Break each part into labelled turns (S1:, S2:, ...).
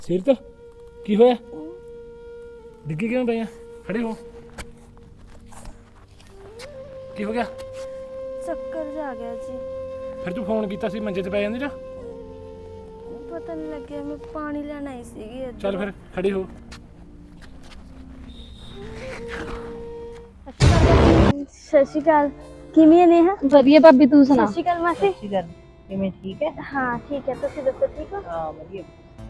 S1: ਸਿਰ ਤੇ ਕੀ ਹੋਇਆ? ਡਿੱਗੀ ਕਿਉਂ ਪਈ ਆ? ਖੜੇ ਹੋ। ਕੀ ਹੋ ਗਿਆ?
S2: ਚੱਕਰ ਜਾ ਗਿਆ ਜੀ।
S1: ਫਿਰ ਤੂੰ ਫੋਨ ਕੀਤਾ ਸੀ, ਮੰਜੇ ਤੇ ਪੈ ਜਾਂਦੀ ਨਾ।
S2: ਪਤਾ ਨਹੀਂ ਲੱਗਿਆ, ਮੈਂ ਪਾਣੀ ਲੈਣ ਆਈ ਸੀਗੀ ਇੱਧਰ।
S1: ਚੱਲ ਫਿਰ ਖੜੀ ਹੋ।
S2: ਸਤਿ ਸ਼੍ਰੀ ਅਕਾਲ। ਕਿਵੇਂ ਨੇ?
S3: ਵਧੀਆ ਭਾਬੀ, ਤੂੰ ਸੁਣਾ?
S2: ਸਤਿ ਸ਼੍ਰੀ ਅਕਾਲ ਮਾਸੀ।
S4: ਕਿਵੇਂ ਠੀਕ ਹੈ?
S2: ਹਾਂ ਠੀਕ ਹੈ, ਤੁਸੀਂ ਦੱਸੋ ਠੀਕ ਹੋ?
S4: ਹਾਂ ਵਧੀਆ।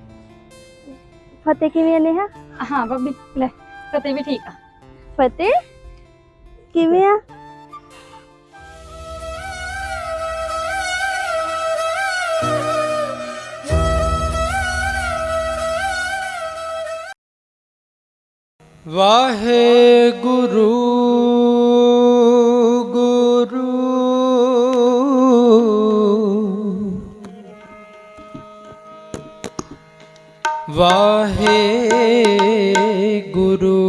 S2: ਫਤਿਹ ਕਿਵੇਂ ਨੇ?
S3: ਹਾਂ ਭਾਬੀ, ਲੈ ਫਤਿਹ ਵੀ ਠੀਕ ਆ।
S2: ਫਤਿਹ ਕਿਵੇਂ ਆ?
S5: ਵਾਹਿਗੁਰੂ ਗੁਰੂ ਵਾਹਿਗੁਰੂ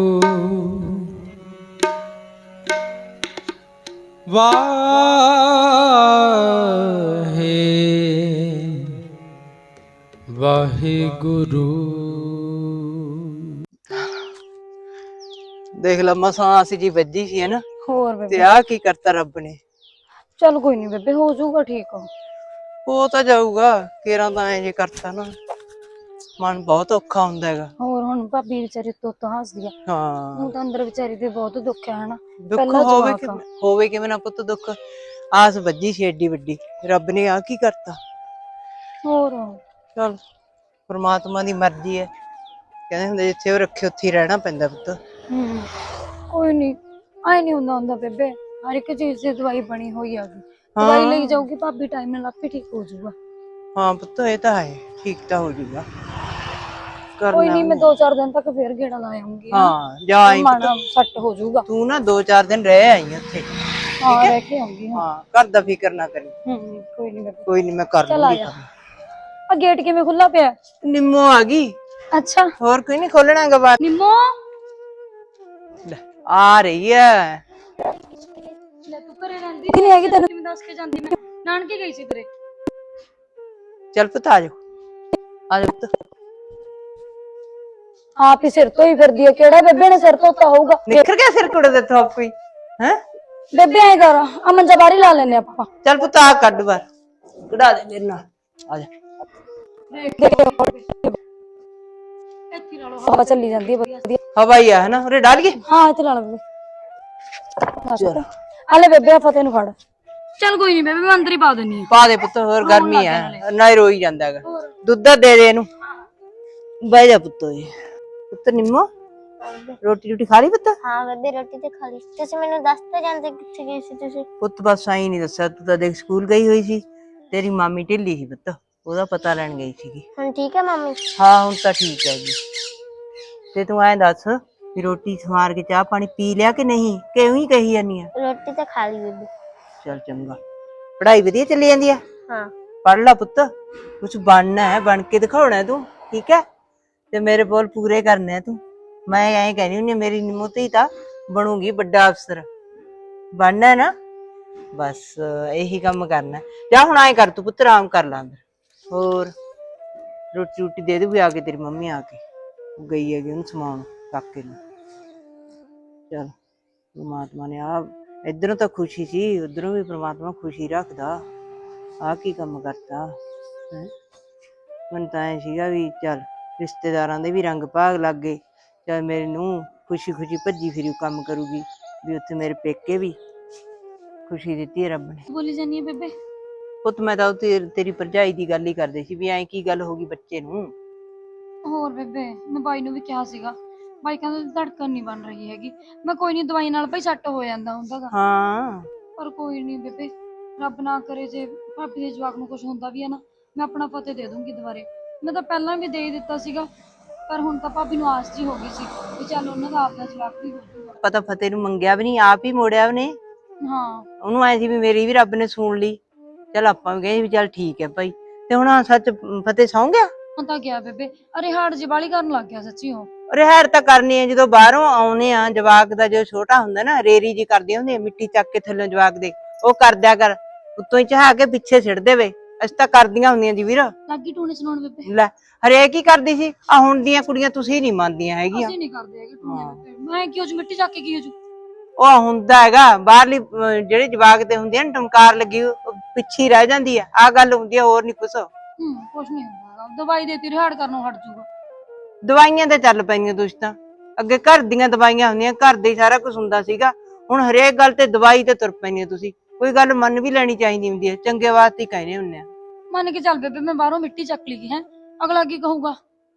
S5: ਵਾਹਿਗੁਰੂ। ਦੇਖ ਲਾ ਮਸਾਂ ਅਸੀਂ ਜੀ ਵੱਜੀ ਸੀ ਹੈ ਨਾ,
S3: ਹੋਰ
S5: ਤੇ
S3: ਬੇਬੇ
S5: ਆ ਕੀ ਕਰਤਾ ਰੱਬ ਨੇ।
S3: ਚੱਲ ਕੋਈ ਨਹੀਂ ਬੇਬੇ, ਹੋ ਜਾਊਗਾ ਠੀਕ।
S5: ਹੋ ਤਾਂ ਜਾਊਗਾ, ਕੇਰਾਂ ਤਾਂ ਐ ਜੇ ਕਰਤਾ ਨਾ, ਮਨ ਬਹੁਤ ਔਖਾ ਹੁੰਦਾ ਹੈਗਾ।
S3: ਹੋਰ ਹੁਣ ਭਾਬੀ ਵਿਚਾਰੀ ਤੋਂ ਹੱਸਦੀ ਆ,
S5: ਹਾਂ
S3: ਹੁਣ ਤਾਂ ਅੰਦਰ ਵਿਚਾਰੀ ਦੇ ਬਹੁਤ ਦੁੱਖ ਹੈ ਹਨਾ।
S5: ਦੁੱਖ
S3: ਪਹਿਲਾਂ
S5: ਹੋਵੇ
S3: ਜਵਾਕ ਆ।
S5: ਹੋਵੇ ਕਿਵੇਂ ਨਾ ਪੁੱਤ, ਦੁੱਖ ਆਸ ਵੱਜੀ ਸੀ ਏਡੀ ਵੱਡੀ, ਰੱਬ ਨੇ ਆ ਕੀ ਕਰਤਾ।
S3: ਹੋਰ
S5: ਚਲ ਪ੍ਰਮਾਤਮਾ ਦੀ ਮਰਜ਼ੀ ਹੈ, ਕਹਿੰਦੇ ਹੁੰਦੇ ਜਿੱਥੇ ਉਹ ਰੱਖੇ ਉੱਥੇ ਹੀ ਰਹਿਣਾ ਪੈਂਦਾ ਪੁੱਤ।
S3: ਕੋਈ ਨਹੀਂ, ਆਏ ਨਹੀਂ ਹੁੰਦਾ ਬੇਬੇ, ਹਰ ਇੱਕ ਚੀਜ਼ ਦੀ ਦਵਾਈ ਬਣੀ ਹੋਈ ਆ ਗਈ। ਦਵਾਈ ਲਈ ਜਾਊਗੀ ਭਾਬੀ, ਟਾਈਮ ਨਾਲ ਆਪੇ ਠੀਕ ਹੋ ਜਾਊਗਾ।
S5: ਹਾਂ ਪੁੱਤ ਇਹ ਤਾਂ ਹੈ, ਠੀਕ ਤਾਂ ਹੋ ਜਾਊਗਾ।
S3: ਕੋਈ ਨਹੀਂ, ਮੈਂ 2-4 ਦਿਨ ਤੱਕ ਫੇਰ ਗੇੜਾ ਲਾ ਆਉਂਗੀ।
S5: ਹਾਂ ਜਾ ਆਈ
S3: ਮਨ ਸੱਟ ਹੋ ਜਾਊਗਾ।
S5: ਤੂੰ ਨਾ 2-4 ਦਿਨ ਰਹਿ ਆਈ ਉੱਥੇ।
S3: ਹਾਂ ਰਹਿ ਕੇ ਆਉਂਗੀ।
S5: ਹਾਂ ਘਰ ਦਾ ਫਿਕਰ ਨਾ ਕਰੀ।
S3: ਕੋਈ ਨਹੀਂ ਬੇਬੇ,
S5: ਕੋਈ ਨਹੀਂ ਮੈਂ ਕਰ
S3: ਚੱਲ ਆ
S5: ਲੂੰਗੀ
S3: ਜਾ। ਆ ਗੇਟ ਕਿਵੇਂ ਖੁੱਲਾ ਪਿਆ?
S5: ਨਿੰਮੋ ਆ ਗਈ।
S3: ਅੱਛਾ
S5: ਹੋਰ ਕੋਈ ਨਹੀਂ ਖੋਲਣਾ ਹੈਗਾ ਬਾਹਰ।
S3: ਨਿੰਮੋ,
S5: ਲੈ, ਆ ਰਹੀ ਹੈ।
S3: ਲੈ ਤੂੰ ਘਰੇ ਰਹਿੰਦੀ ਨਹੀਂ ਹੈਗੀ, ਤੈਨੂੰ ਕਿਵੇਂ ਦੱਸ ਕੇ ਜਾਂਦੀ? ਮੈਂ ਨਾਨਕੇ ਗਈ ਸੀ ਤੇਰੇ।
S5: ਚੱਲ ਪੁੱਤ ਆ ਜਾ, ਆ ਜਾ ਪੁੱਤ।
S3: ਆਪ ਹੀ ਸਿਰ ਤੋਂ ਹੀ ਫਿਰਦੀ ਹੈ, ਕਿਹੜਾ ਬੇਬੇ ਨੇ ਸਿਰ ਧੋਤਾ ਹੋਊਗਾ?
S5: ਨਿਖਰ ਗਿਆ ਸਿਰ ਕੁੜੇ ਦੇ ਤੋਂ ਕੋਈ ਹੈ।
S3: ਬੇਬੇ ਐ ਕਰ, ਆ ਮੰਜਾ ਬਾਹਰ ਹੀ ਲਾ ਲੈਨੇ ਆਪਾਂ।
S5: ਚੱਲ ਪੁੱਤ ਆ ਕੱਢ ਬਾਹਰ, ਕਢਾ ਦੇ ਮੇਰੇ ਨਾਲ, ਆ ਜਾ।
S3: ਇੱਥੇ ਲਾ ਲਓ, ਹਵਾ ਚੱਲੀ ਜਾਂਦੀ ਹੈ ਵਧੀਆ।
S5: ਹਵਾਈ ਆ ਹੈ ਨਾ, ਉਰੇ ਡਾਲ ਗਏ।
S3: ਹਾਂ ਇੱਥੇ ਲਾ ਲਓ ਬੇਬੇ। ਆ ਲੈ ਬੇਬੇ, ਫਤਿਹ ਨੂੰ ਫੜ। ਚੱਲ ਕੋਈ ਨਹੀਂ ਬੇਬੇ, ਮੈਂ ਅੰਦਰ ਹੀ ਪਾ ਦਿੰਨੀ ਆ।
S5: ਪਾ ਦੇ ਪੁੱਤ, ਹੋਰ ਗਰਮੀ ਹੈ ਨਾ, ਰੋਈ ਜਾਂਦਾ ਹੈਗਾ। ਦੁੱਧ ਦੇ ਦੇ ਇਹਨੂੰ, ਬਹਿ ਜਾ ਪੁੱਤ। ਪੁੱਤ ਨਿੰਮੋ ਰੋਟੀ ਖਾ ਲਈ ਪੁੱਤ?
S2: ਹਾਂ ਬੇਬੇ ਰੋਟੀ ਤੇ ਖਾ ਲਈ। ਤੁਸੀਂ ਮੈਨੂੰ ਦੱਸ ਤਾਂ ਜਾਂਦੇ ਕਿੱਥੇ ਗਏ ਸੀ ਤੁਸੀਂ?
S5: ਪੁੱਤ ਬਸ ਆਈ ਨਹੀਂ ਦੱਸਿਆ, ਤੂੰ ਤਾਂ ਦੇਖ ਸਕੂਲ ਗਈ ਹੋਈ ਸੀ। ਤੇਰੀ ਮਾਮੀ ਢਿੱਲੀ ਸੀ ਪੁੱਤ, ਉਹਦਾ ਪਤਾ ਲੈਣ ਗਈ ਸੀਗੀ।
S2: ਹੁਣ ਠੀਕ ਹੈ ਮੰਮੀ?
S5: ਹਾਂ ਹੁਣ ਤਾਂ ਠੀਕ ਹੈ ਜੀ। ਤੇ ਤੂੰ ਐਂ ਦੱਸ ਵੀ ਰੋਟੀ ਸਵਾਰ ਕੇ ਚਾਹ ਪਾਣੀ ਪੀ ਲਿਆ ਕਿ ਨਹੀਂ, ਕਿਉਂ ਹੀ ਕਹੀ ਜਾਨੀ ਆ?
S2: ਰੋਟੀ ਤਾਂ ਖਾ ਲਈ ਬੇਬੇ।
S5: ਚੱਲ ਚੰਗਾ। ਪੜ੍ਹਾਈ ਵਧੀਆ ਚੱਲੀ ਜਾਂਦੀ ਆ?
S2: ਹਾਂ।
S5: ਪੜ੍ਹ ਲਾ ਪੁੱਤ, ਕੁਛ ਬਣਨਾ ਹੈ, ਬਣ ਕੇ ਦਿਖਾਉਣਾ ਤੂੰ, ਠੀਕ ਹੈ? ਤੇ ਮੇਰੇ ਬੋਲ ਪੂਰੇ ਕਰਨੇ ਆ ਤੂੰ। ਮੈਂ ਐਂ ਕਹਿੰਦੀ ਹੁੰਦੀ ਮੇਰੀ ਨਿੰਮੋ ਧੀ ਤਾਂ ਬਣੂਗੀ ਵੱਡਾ ਅਫਸਰ, ਬਣਨਾ ਨਾ, ਬਸ ਇਹੀ ਕੰਮ ਕਰਨਾ। ਜਾਂ ਹੁਣ ਐਂ ਕਰ, ਤੂੰ ਪੁੱਤ ਆਰਾਮ ਕਰ ਲਾ ਅੰਦਰ। ਹੋਰ ਰੋਟੀ ਦੇ ਦੂਗੀ ਆ ਕੇ ਤੇਰੀ ਮੰਮੀ, ਆ ਕੇ ਗਈ ਹੈਗੀ ਉਹਨੂੰ ਸਮਾਉਣ ਕਾਕੇ ਨੂੰ। ਚੱਲ ਪਰਮਾਤਮਾ ਨੇ ਆ ਇੱਧਰੋਂ ਤਾਂ ਖੁਸ਼ੀ ਸੀ, ਉੱਧਰੋਂ ਵੀ ਪਰਮਾਤਮਾ ਖੁਸ਼ੀ ਰੱਖਦਾ। ਆ ਕੀ ਕੰਮ ਕਰਤਾ ਹੈ। ਮੈਨੂੰ ਤਾਂ ਐ ਸੀਗਾ ਵੀ ਚੱਲ ਰਿਸ਼ਤੇਦਾਰਾਂ ਦੇ ਵੀ ਰੰਗ ਭਾਗ ਲੱਗ ਗਏ, ਚੱਲ ਮੇਰੇ ਨੂੰ ਖੁਸ਼ੀ ਖੁਸ਼ੀ ਭੱਜੀ ਫਿਰੀ ਕੰਮ ਕਰੂਗੀ, ਵੀ ਉੱਥੇ ਮੇਰੇ ਪੇਕੇ ਵੀ ਖੁਸ਼ੀ ਦਿੱਤੀ ਹੈ ਰੱਬ ਨੇ।
S3: ਬੋਲੀ ਜਾਨੀ ਹੈ ਬੇਬੇ?
S5: ਪੁੱਤ ਮੈਂ ਤਾਂ ਤੇਰੀ ਭਰਜਾਈ ਦੀ ਗੱਲ ਹੀ ਕਰਦੇ ਸੀ ਵੀ ਐਂ ਕੀ ਗੱਲ ਹੋ ਗਈ ਬੱਚੇ ਨੂੰ।
S3: ਹੋਰ ਬੇਬੇ, ਮੈਂ ਬਾਈ ਨੂੰ ਵੀ ਕਿਹਾ ਸੀਗਾ, ਬਾਈ ਕਹਿੰਦਾ ਧੜਕਣ ਨਹੀਂ ਬਣ ਰਹੀ ਹੈਗੀ। ਮੈਂ ਕੋਈ ਨਹੀਂ, ਦਵਾਈ ਨਾਲ ਭਾਈ ਸੱਟ ਹੋ ਜਾਂਦਾ ਹੁੰਦਾ।
S5: ਹਾਂ
S3: ਪਰ ਕੋਈ ਨਹੀਂ ਬੇਬੇ, ਰੱਬ ਨਾ ਕਰੇ ਜੇ ਭਾਬੀ ਦੇ ਜਵਾਕ ਨੂੰ ਕੁਝ ਹੁੰਦਾ ਵੀ ਹੈ ਨਾ, ਮੈਂ ਆਪਣਾ ਫਤਿਹ ਦੇ ਦੂੰਗੀ ਦੁਬਾਰੇ। ਮੈਂ ਤਾਂ ਪਹਿਲਾਂ ਵੀ ਦੇ ਹੀ ਦਿੱਤਾ ਸੀਗਾ, ਪਰ ਹੁਣ ਤਾਂ ਭਾਬੀ ਨੂੰ ਆਸ ਜੀ ਹੋ ਗਈ ਸੀ ਵੀ ਚੱਲ ਉਹਨਾਂ ਦਾ ਆਪਣਾ ਜਵਾਕ ਵੀ ਹੋ ਜਾਊਗਾ।
S5: ਪਤਾ ਫਤਿਹ ਨੂੰ ਮੰਗਿਆ ਵੀ ਨਹੀਂ, ਆਪ ਹੀ ਮੋੜਿਆ ਉਹਨੇ।
S3: ਹਾਂ
S5: ਉਹਨੂੰ ਐ ਸੀ ਵੀ ਮੇਰੀ ਵੀ ਰੱਬ ਨੇ ਸੁਣ ਲਈ, ਚੱਲ ਆਪਾਂ ਵੀ ਕਹੇ ਵੀ ਚੱਲ ਠੀਕ ਹੈ ਭਾਈ। ਤੇ ਹੁਣ ਸੱਚ ਫਤਿਹ ਸੌਂ ਗਿਆ?
S3: ਹੁਣ ਤਾਂ ਗਿਆ ਬੇਬੇ, ਅਰੇ ਹਾੜ ਜੀ ਬਾਲੀ ਕਰਨ ਲੱਗ ਗਿਆ ਸੱਚੀ। ਉਹ
S5: ਰਿਹਾੜ ਤਾਂ ਕਰਨੀ ਹੈ, ਜਦੋਂ ਬਾਹਰੋਂ ਆਉਨੇ ਆ ਜਵਾਕ ਦਾ, ਜੋ ਛੋਟਾ ਹੁੰਦਾ ਨਾ ਰੇਰੀ ਜੀ ਕਰਦੀ ਹੁੰਦੀ, ਮਿੱਟੀ ਚੱਕ ਕੇ ਥੱਲੋਂ ਜਵਾਕ ਦੇ ਉਹ ਕਰਦਿਆ ਕਰ, ਉੱਤੋਂ ਹੀ ਚਹਾ ਕੇ ਪਿੱਛੇ ਸਿੱਟ ਦੇਵੇ, ਅਸੀਂ ਤਾਂ ਕਰਦੀਆਂ ਹੁੰਦੀਆਂ ਜੀ ਵੀਰ।
S3: ਲੱਗੀ ਟੂਣੇ ਸੁਣਾਉਣ ਬੇਬੇ।
S5: ਲੈ ਹਰੇਕ ਹੀ ਕਰਦੀ ਸੀ, ਆ ਹੁਣ ਦੀਆਂ ਕੁੜੀਆਂ ਤੁਸੀਂ ਨਹੀਂ ਮੰਨਦੀਆਂ ਹੈਗੀਆਂ।
S3: ਅਸੀਂ ਨਹੀਂ ਕਰਦੇ ਹੈਗੇ ਟੂਣੇ ਬੇਬੇ। ਮੈਂ ਕਿਉਂ ਜੀ ਮਿੱਟੀ ਚੱਕ ਕੇ ਕੀ ਹੋ ਜੂ।
S5: ਉਹ ਹੁੰਦਾ ਹੈਗਾ ਬਾਹਰਲੀ ਜਿਹੜੇ ਜਵਾਕ ਤੇ ਹੁੰਦੀ ਆ ਨਾ ਟਮਕਾਰ ਲੱਗੀ ਉਹ ਪਿੱਛੇ ਹੀ ਰਹਿ ਜਾਂਦੀ ਆ, ਆ ਗੱਲ ਹੁੰਦੀ ਆ, ਹੋਰ ਨਹੀਂ ਕੁਛ।
S3: ਕੁਛ ਨਹੀਂ ਹੁੰਦਾ ਹੈਗਾ। ਦਵਾਈ ਦੇਤੀ ਰਿਹਾੜ ਕਰਨੋਂ ਹਟ ਜੂਗਾ।
S5: ਦਵਾਈਆਂ ਤੇ ਚੱਲ ਪੈਣੀਆਂ ਤੁਸੀਂ ਤਾਂ, ਅੱਗੇ ਘਰ ਦੀਆਂ ਦਵਾਈਆਂ ਹੁੰਦੀਆਂ, ਘਰ ਦੇ ਹੀ ਸਾਰਾ ਕੁਝ ਹੁੰਦਾ ਸੀਗਾ। ਹੁਣ ਹਰੇਕ ਗੱਲ ਤੇ ਦਵਾਈ ਤੇ ਤੁਰ ਪੈਣੀਆਂ ਤੁਸੀਂ। ਕੋਈ ਗੱਲ ਮੰਨ ਵੀ ਲੈਣੀ ਚਾਹੀਦੀ ਹੁੰਦੀ ਹੈ, ਚੰਗੇ ਵਾਸਤੇ ਹੀ ਕਹਿੰਦੇ ਹੁੰਦੇ ਆ।
S3: ਮੰਨ ਕੇ ਚੱਲ ਬੇਬੇ, ਮੈਂ ਬਾਹਰੋਂ ਮਿੱਟੀ ਚੱਕ ਲਈ ਹੈ, ਅਗਲਾ ਕੀ ਕਹੂਗਾ।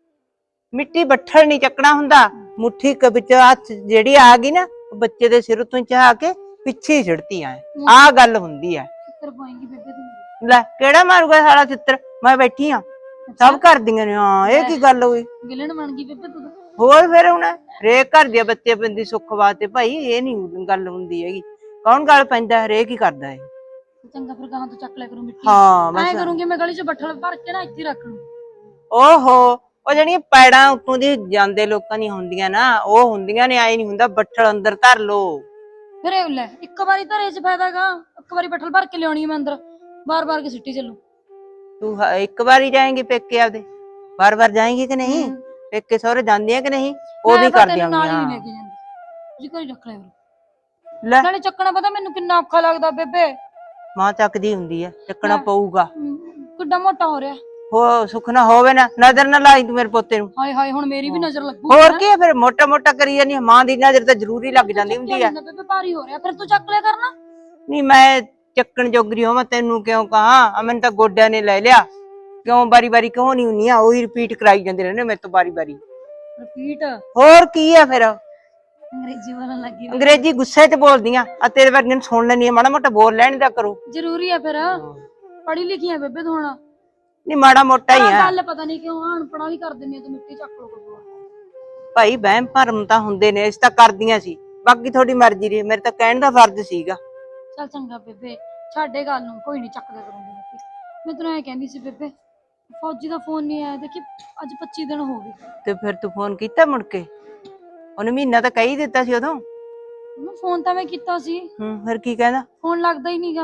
S5: ਮਿੱਟੀ ਬੱਠਲ ਨਹੀਂ ਚੱਕਣਾ ਹੁੰਦਾ, ਮੁੱਠੀ ਵਿੱਚ ਹੱਥ ਜਿਹੜੀ ਆ ਗਈ ਨਾ ਬੱਚੇ ਦੇ ਸਿਰ ਤੋਂ ਚਾਹ ਕੇ ਪਿੱਛੇ ਹੀ ਛਿੜਤੀ ਆ ਗੱਲ ਹੁੰਦੀ ਆ।
S3: ਚਿੱਤਰ ਪਾਏਂਗੀ ਬੇਬੇ ਤੂੰ।
S5: ਲੈ ਕਿਹੜਾ ਮਾਰੂਗਾ ਸਾਲਾ ਚਿੱਤਰ, ਮੈਂ ਬੈਠੀ ਆ, ਸਭ ਕਰਦੀਆਂ ਨੇ। ਹਾਂ ਇਹ ਕੀ ਗੱਲ ਹੋਈ,
S3: ਵਿਲਣ ਬਣ ਗਈ ਬੇਬੇ ਤੂੰ।
S5: ਹੋਰ ਫਿਰ ਹੁਣ ਹਰੇਕ ਘਰ ਦੇ ਬੱਚੇ ਬੰਦੀ ਸੁੱਖ ਵਾਸਤੇ ਭਾਈ, ਇਹ ਨਹੀਂ ਗੱਲ ਹੁੰਦੀ ਹੈਗੀ। ਕੌਣ ਗੱਲ ਪੈਂਦਾ, ਹਰੇਕ ਹੀ ਕਰਦਾ ਹੈ।
S3: ਚੰਗਾ ਫਿਰ ਗਾਹਾਂ ਤੋਂ ਚੱਕ ਲਿਆ ਕਰੂੰ ਮਿੱਟੀ।
S5: ਹਾਂ
S3: ਮੈਂ
S5: ਬਸ
S3: ਕਰੂੰਗੀ, ਮੈਂ ਗਲੀ 'ਚ ਬੱਠਲ ਭਰ ਕੇ ਨਾ ਇੱਥੇ ਰੱਖ ਲੂੰ।
S5: ਓਹੋ, ਉਹ ਜਿਹੜੀਆਂ ਪੈੜਾਂ ਉੱਤੋਂ ਦੀ ਜਾਂਦੇ ਲੋਕਾਂ ਦੀਆਂ ਹੁੰਦੀਆਂ ਨਾ, ਉਹ ਹੁੰਦੀਆਂ ਨੇ, ਆਏ ਨਹੀਂ ਹੁੰਦਾ ਬੱਠਲ ਅੰਦਰ ਧਰ ਲੋ।
S3: ਫਿਰ ਇਹ ਲੈ ਇੱਕ ਵਾਰੀ ਧਰੇ 'ਚ ਫਾਇਦਾਗਾ, ਇੱਕ ਵਾਰੀ ਬੱਠਲ ਭਰ ਕੇ ਲਿਆਉਣੀ ਮੈਂ ਅੰਦਰ, ਬਾਰ-ਬਾਰ ਕੇ ਸਿੱਟੀ ਚੱਲੂ।
S5: ਤੂੰ ਇੱਕ ਵਾਰੀ ਜਾਏਂਗੀ ਪੇਕੇ ਆਪਦੇ, ਬਾਰ-ਬਾਰ ਜਾਏਂਗੀ ਕਿ ਨਹੀਂ? ਪੇਕੇ ਸਹੁਰੇ ਜਾਂਦੀ ਹੈ ਕਿ ਨਹੀਂ? ਉਹ ਵੀ ਕਰਦੀਆਂ
S3: ਨਾਲ ਹੀ
S5: ਹੁੰਦੀਆਂ।
S3: ਲੈ ਕੇ ਜਾਂਦੀ ਜੀ, ਘਰੇ ਰੱਖ ਲਿਆ ਕਰੂੰ।
S5: ਲੈ
S3: ਨਾਲੇ ਚੱਕਣਾ ਪਤਾ ਮੈਨੂੰ ਕਿੰਨਾ ਔਖਾ ਲੱਗਦਾ ਬੇਬੇ।
S5: ਮਾਂ ਚੱਕਦੀ ਹੁੰਦੀ ਹੈ, ਚੱਕਣਾ ਪਊਗਾ।
S3: ਕਿੱਡਾ ਮੋਟਾ ਹੋ ਰਿਹਾ।
S5: ਹੋ ਸੁੱਖ ਨਾ ਹੋਵੇ ਨਾ, ਨਜ਼ਰ ਨਾ ਲਾਈ ਤੂੰ ਮੇਰੇ ਪੋਤੇ ਨੂੰ।
S3: ਹਾਏ ਹਾਏ, ਹੁਣ ਮੇਰੀ ਵੀ ਨਜ਼ਰ ਲੱਗੂ।
S5: ਹੋਰ ਕੀ ਹੈ ਫਿਰ, ਮੋਟਾ ਮੋਟਾ ਕਰੀ ਜਾਂਦੀ ਹੈ, ਮਾਂ ਦੀ ਨਜ਼ਰ ਤਾਂ ਜ਼ਰੂਰੀ ਲੱਗ ਜਾਂਦੀ ਹੁੰਦੀ ਹੈ।
S3: ਬੇਬੇ ਭਾਰੀ ਹੋ ਰਿਹਾ, ਫਿਰ ਤੂੰ ਚੱਕ ਲਿਆ ਕਰਨਾ।
S5: ਨਹੀਂ ਮੈਂ ਚੱਕਣ ਜੋਗਰੀ ਹੋਵਾਂ ਤੈਨੂੰ ਕਿਉਂ ਕਹਾਂ, ਮੈਨੂੰ ਤਾਂ ਗੋਡਿਆਂ ਨੇ ਲੈ ਲਿਆ। ਕਿਉਂ ਬਾਰੀ ਬਾਰੀ ਕਿਉਂ ਨਹੀਂ ਹੁੰਦੀਆਂ, ਉਹੀ ਰਿਪੀਟ ਕਰਾਈ ਜਾਂਦੇ ਰਹਿੰਦੇ ਮੇਰੇ ਤੋਂ ਬਾਰੀ ਬਾਰੀ।
S3: ਰਿਪੀਟ
S5: ਹੋਰ ਕੀ ਆ ਫਿਰ,
S3: ਅੰਗਰੇਜ਼ੀ ਬੋਲਣ ਲੱਗੀ।
S5: ਅੰਗਰੇਜ਼ੀ ਗੁੱਸੇ 'ਚ ਬੋਲਦੀਆਂ ਆ, ਤੇਰੇ ਵਰਗੇ ਨੂੰ ਸੁਣ ਲੈਣੀ ਆ, ਮਾੜਾ ਮੋਟਾ ਬੋਲ ਲੈਣ ਦਾ ਕਰੋ।
S3: ਜ਼ਰੂਰੀ ਆ ਫਿਰ, ਪੜ੍ਹੀ ਲਿਖੀ ਆ ਬੇਬੇ ਤੂੰ ਹੁਣ।
S5: ਨਹੀਂ ਮਾੜਾ ਮੋਟਾ ਹੀ ਆ
S3: ਗੱਲ ਪਤਾ ਨਹੀਂ ਕਿਉਂ ਅਨਪੜ੍ਹਾਂ ਵੀ ਕਰ ਦਿੰਦੀ ਆ ਤੂੰ, ਮਿੱਟੀ ਚੱਕ ਲੋ ਕੋਈ।
S5: ਭਾਈ, ਵਹਿਮ ਭਰਮ ਤਾਂ ਹੁੰਦੇ ਨੇ, ਅਸੀਂ ਤਾਂ ਕਰਦੀਆਂ ਸੀ, ਬਾਕੀ ਤੁਹਾਡੀ ਮਰਜ਼ੀ ਰਹੀ, ਮੇਰੇ ਤਾਂ ਕਹਿਣ ਦਾ ਫਰਜ਼ ਸੀਗਾ।
S3: ਚੱਲ ਚੰਗਾ ਬੇਬੇ, ਛੱਡੇ ਗੱਲ ਨੂੰ, ਕੋਈ ਨਹੀਂ ਚੱਕਦਾ ਕਰੂੰਗੀ ਮਿੱਟੀ। ਮੈਂ ਤੈਨੂੰ ਐ ਕਹਿੰਦੀ ਸੀ ਬੇਬੇ, ਫੌਜੀ ਦਾ ਫੋਨ ਨਹੀਂ ਆਇਆ, ਦੇਖੀ ਅੱਜ 25 ਦਿਨ ਹੋ ਗਏ।
S5: ਤੇ ਫਿਰ ਤੂੰ ਫੋਨ ਕੀਤਾ ਮੁੜ ਕੇ? ਉਹਨੇ ਮਹੀਨਾ ਤਾਂ ਕਹਿ ਹੀ ਦਿੱਤਾ ਸੀ ਉਦੋਂ।
S3: ਮੈਂ ਫੋਨ ਤਾਂ ਮੈਂ ਕੀਤਾ ਸੀ,
S5: ਫਿਰ ਕੀ ਕਹਿੰਦਾ?
S3: ਫੋਨ ਲੱਗਦਾ ਹੀ ਨਹੀਂਗਾ।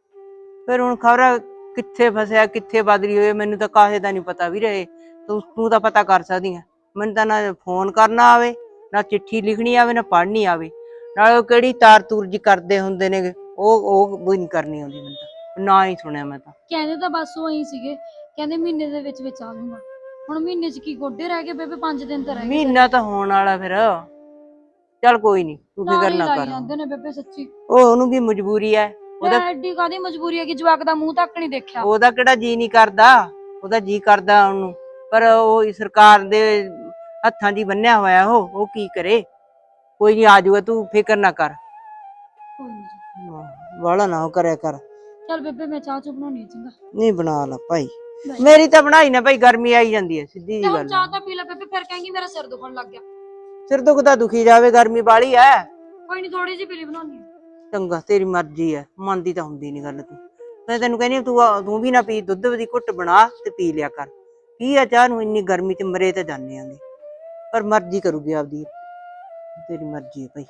S5: ਫਿਰ ਹੁਣ ਖਬਰ ਕਿੱਥੇ ਫਸਿਆ, ਕਿੱਥੇ ਬਦਲੀ ਹੋਏ, ਮੈਨੂੰ ਤਾਂ ਕਾਹੇ ਦਾ ਨਹੀਂ ਪਤਾ ਵੀ ਰਹੇ। ਤੂੰ ਤਾਂ ਪਤਾ ਕਰ ਸਕਦੀ ਆ, ਮੈਨੂੰ ਤਾਂ ਨਾ ਫੋਨ ਕਰਨਾ ਆਵੇ, ਨਾ ਚਿੱਠੀ ਲਿਖਣੀ ਆਵੇ, ਨਾ ਪੜ੍ਹਨੀ ਆਵੇ। ਨਾਲ ਕਿਹੜੀ ਤਾਰ ਤੂਰ ਜੀ ਕਰਦੇ ਹੁੰਦੇ ਨੇ, ਉਹ ਵੀ ਨਹੀਂ ਕਰਨੀ ਆਉਂਦੀ ਮੈਨੂੰ ਤਾਂ, ਨਾ ਹੀ ਸੁਣਿਆ ਮੈਂ ਤਾਂ।
S3: ਕਹਿੰਦੇ ਤਾਂ ਬਸ ਉਹ ਇਹੀ ਸੀਗੇ, ਕਹਿੰਦੇ ਮਹੀਨੇ ਦੇ ਵਿੱਚ ਵਿੱਚ ਆ ਜਾਊਗਾ। ਹੁਣ ਮਹੀਨੇ 'ਚ ਕੀ ਗੋਡੇ ਰਹਿ ਗਏ ਬੇਬੇ, 5 ਦਿਨ ਤਾਂ ਰਹਿ ਗਏ।
S5: ਮਹੀਨਾ ਤਾਂ ਹੋਣ ਵਾਲਾ ਫਿਰ। ਚੱਲ ਕੋਈ ਨਹੀਂ, ਤੂੰ ਫਿਕਰ ਨਾ ਕਰ।
S3: ਜਾਂਦੇ ਨੇ ਬੇਬੇ ਸੱਚੀ,
S5: ਉਹਨੂੰ ਵੀ ਮਜਬੂਰੀ ਹੈ।
S3: ਉਹਦਾ ਐਡੀ ਕਾਹਦੀ ਮਜਬੂਰੀ ਹੈ ਕਿ ਜਵਾਕ ਦਾ ਮੂੰਹ ਤੱਕ ਨਹੀਂ ਦੇਖਿਆ।
S5: ਉਹਦਾ ਕਿਹੜਾ ਜੀ ਨਹੀਂ ਕਰਦਾ, ਉਹਦਾ ਜੀ ਕਰਦਾ ਉਹਨੂੰ, ਪਰ ਉਹ ਸਰਕਾਰ ਦੇ ਹੱਥਾਂ ਦੀ ਬੰਨਿਆ ਹੋਇਆ, ਉਹ ਕੀ ਕਰੇ। ਕੋਈ ਨਹੀਂ ਆ ਜਾਊਗਾ, ਤੂੰ ਫਿਕਰ ਨਾ ਕਰ।
S3: ਕੋਈ ਨਹੀਂ,
S5: ਵਾਲਾ ਨਾ ਉਹ ਕਰਿਆ ਕਰ।
S3: ਚੱਲ ਬੇਬੇ ਮੈਂ ਚਾਹ ਚੁ ਬਣਾਉਣੀ ਹੈ, ਚੰਗਾ।
S5: ਨਹੀਂ ਬਣਾ ਲਾ ਭਾਈ, ਮੇਰੀ ਤਾਂ ਬਣਾਈ ਨਾ ਭਾਈ, ਗਰਮੀ ਆਈ ਜਾਂਦੀ ਹੈ, ਸਿੱਧੀ ਜੀ ਗੱਲ।
S3: ਚਾਹ ਤਾਂ ਪੀ ਲੈ ਬੇਬੇ, ਫਿਰ ਕਹੇਂਗੀ ਮੇਰਾ ਸਿਰ ਦੁਖਣ ਲੱਗ ਗਿਆ।
S5: ਸਿਰ ਦੁਖਦਾ ਦੁਖੀ ਜਾਵੇ, ਗਰਮੀ ਬਾਲੀ ਐ।
S3: ਕੋਈ ਨਹੀਂ, ਥੋੜੀ ਜਿਹੀ ਪੀਲੀ ਬਣਾਉਣੀ ਹੈ।
S5: ਚੰਗਾ, ਤੇਰੀ ਮਰਜ਼ੀ ਐ, ਮੰਨਦੀ ਤਾਂ ਹੁੰਦੀ ਨੀ ਗੱਲ ਤੂੰ। ਮੈਂ ਤੈਨੂੰ ਕਹਿੰਦੀ ਤੂੰ ਵੀ ਨਾ ਪੀ, ਦੁੱਧ ਦੀ ਘੁੱਟ ਬਣਾ ਤੇ ਪੀ ਲਿਆ ਕਰ। ਕੀ ਆ ਚਾਹ ਨੂੰ, ਇੰਨੀ ਗਰਮੀ ਚ ਮਰੇ ਤੇ ਜਾਂਦੇ ਆਂਗੇ, ਪਰ ਮਰਜ਼ੀ ਕਰੂਗੀ ਆਪਦੀ, ਤੇਰੀ ਮਰਜ਼ੀ ਹੈ ਭਾਈ।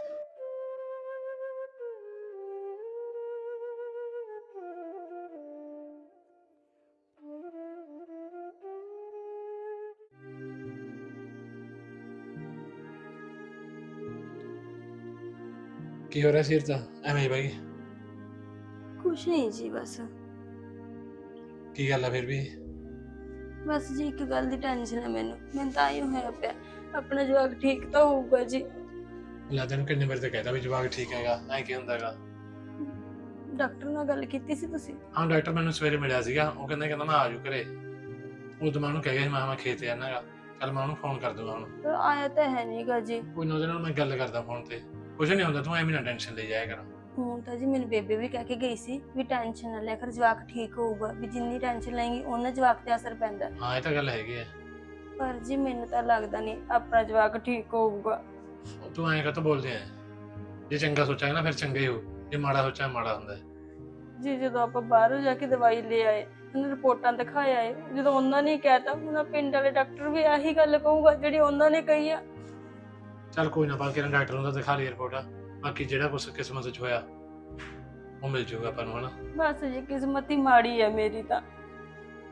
S1: ਕੀ ਹੋ ਰਿਹਾ ਸਿਰ ਤਾਂ ਐਵੇਂ ਹੀ ਬਾਈ?
S2: ਕੁਛ ਨਹੀਂ ਜੀ, ਬਸ
S1: ਕੀ ਗੱਲ ਆ ਫਿਰ ਵੀ?
S2: ਬਸ ਜੀ ਇੱਕ ਗੱਲ ਦੀ ਟੈਨਸ਼ਨ ਹੈ ਮੈਨੂੰ ਤਾਂ ਹੀ ਹੋਇਆ ਪਿਆ, ਆਪਣਾ ਜਵਾਕ ਠੀਕ ਤਾਂ ਹੋਊਗਾ ਜੀ।
S1: ਲੈ ਤੈਨੂੰ ਕਿੰਨੇ ਵਾਰ ਤਾਂ ਕਹਿਤਾ ਵੀ ਜਵਾਕ ਠੀਕ ਹੈਗਾ, ਐ ਕੀ ਹੁੰਦਾ ਹੈਗਾ?
S2: ਡਾਕਟਰ ਨਾਲ ਗੱਲ ਕੀਤੀ ਸੀ ਤੁਸੀਂ?
S1: ਹਾਂ, ਡਾਕਟਰ ਮੈਨੂੰ ਸਵੇਰੇ ਮਿਲਿਆ ਸੀਗਾ, ਉਹ ਕਹਿੰਦਾ ਮੈਂ ਆ ਜੂ ਘਰੇ। ਉਦੋਂ ਮੈਂ ਉਹਨੂੰ ਕਹਿ ਗਿਆ ਸੀ, ਮੈਂ ਖੇਤ ਜਾਣਾਗਾ। ਚੱਲ ਮੈਂ ਉਹਨੂੰ ਫੋਨ ਕਰ ਦੂੰਗਾ ਹੁਣ।
S2: ਪਰ ਆਇਆ ਤਾਂ ਹੈ ਨਹੀਂਗਾ ਜੀ।
S1: ਕੋਈ ਨਾ, ਉਹਦੇ ਨਾਲ ਮੈਂ ਗੱਲ ਕਰਦਾ ਫੋਨ ਤੇ, ਕੁਛ ਨਹੀਂ ਹੁੰਦਾ, ਤੂੰ ਐਵੇਂ ਨਾ ਟੈਨਸ਼ਨ ਲਈ ਜਾਇਆ ਕਰ।
S2: ਹੁਣ ਤਾਂ ਜੀ ਮੈਨੂੰ ਬੇਬੇ ਵੀ ਕਹਿ ਕੇ ਗਈ ਸੀ ਵੀ ਟੈਨਸ਼ਨ ਨਾ ਲੈ ਕਰ, ਜਵਾਕ ਠੀਕ ਹੋਊਗਾ, ਵੀ ਜਿੰਨੀ ਟੈਨਸ਼ਨ ਲੈਂਗੀ ਉਹਨਾਂ ਜਵਾਕ ਤੇ ਅਸਰ ਪੈਂਦਾ।
S1: ਹਾਂ ਇਹ ਤਾਂ ਗੱਲ ਹੈਗੀ ਹੈ,
S2: ਪਰ ਜੀ ਮੈਨੂੰ ਤਾਂ ਲੱਗਦਾ ਨਹੀਂ ਆਪਣਾ ਜਵਾਕ ਠੀਕ ਹੋਊਗਾ।
S1: ਤੂੰ ਐਂ ਕਾਹਤੋਂ ਬੋਲਦੇ ਆ? ਜੇ ਚੰਗਾ ਸੋਚਾਂਗੇ ਨਾ ਫਿਰ ਚੰਗਾ ਹੀ ਹੋ, ਜੇ ਮਾੜਾ ਸੋਚਾਂਗੇ ਮਾੜਾ ਹੁੰਦਾ।
S2: ਜੀ ਜਦੋਂ ਆਪਾਂ ਬਾਹਰੋਂ ਜਾ ਕੇ ਦਵਾਈ ਲੈ ਆਏ, ਉਹਨਾਂ ਰਿਪੋਰਟਾਂ ਦਿਖਾਏ ਆਏ, ਜਦੋਂ ਉਹਨਾਂ ਨੇ ਕਹਿਤਾ, ਉਹਨਾਂ ਪਿੰਡ ਵਾਲੇ ਡਾਕਟਰ ਵੀ ਆਹੀ ਗੱਲ ਕਹੂਗਾ ਜਿਹੜੀ ਉਹਨਾਂ ਨੇ ਕਹੀ ਆ।
S1: ਚੱਲ ਕੋਈ ਨਾ, ਬਾਕੀ ਡਾਕਟਰ ਨੂੰ ਤਾਂ ਦਿਖਾ ਲਈ ਰਿਪੋਰਟ, ਬਾਕੀ ਜਿਹੜਾ ਕੁਛ ਕਿਸਮਤ 'ਚ ਹੋਇਆ ਉਹ ਮਿਲ ਜਾਊਗਾ ਆਪਾਂ ਨੂੰ, ਹਨਾ।
S2: ਬਸ ਜੀ ਕਿਸਮਤ ਹੀ ਮਾੜੀ ਹੈ ਮੇਰੀ ਤਾਂ।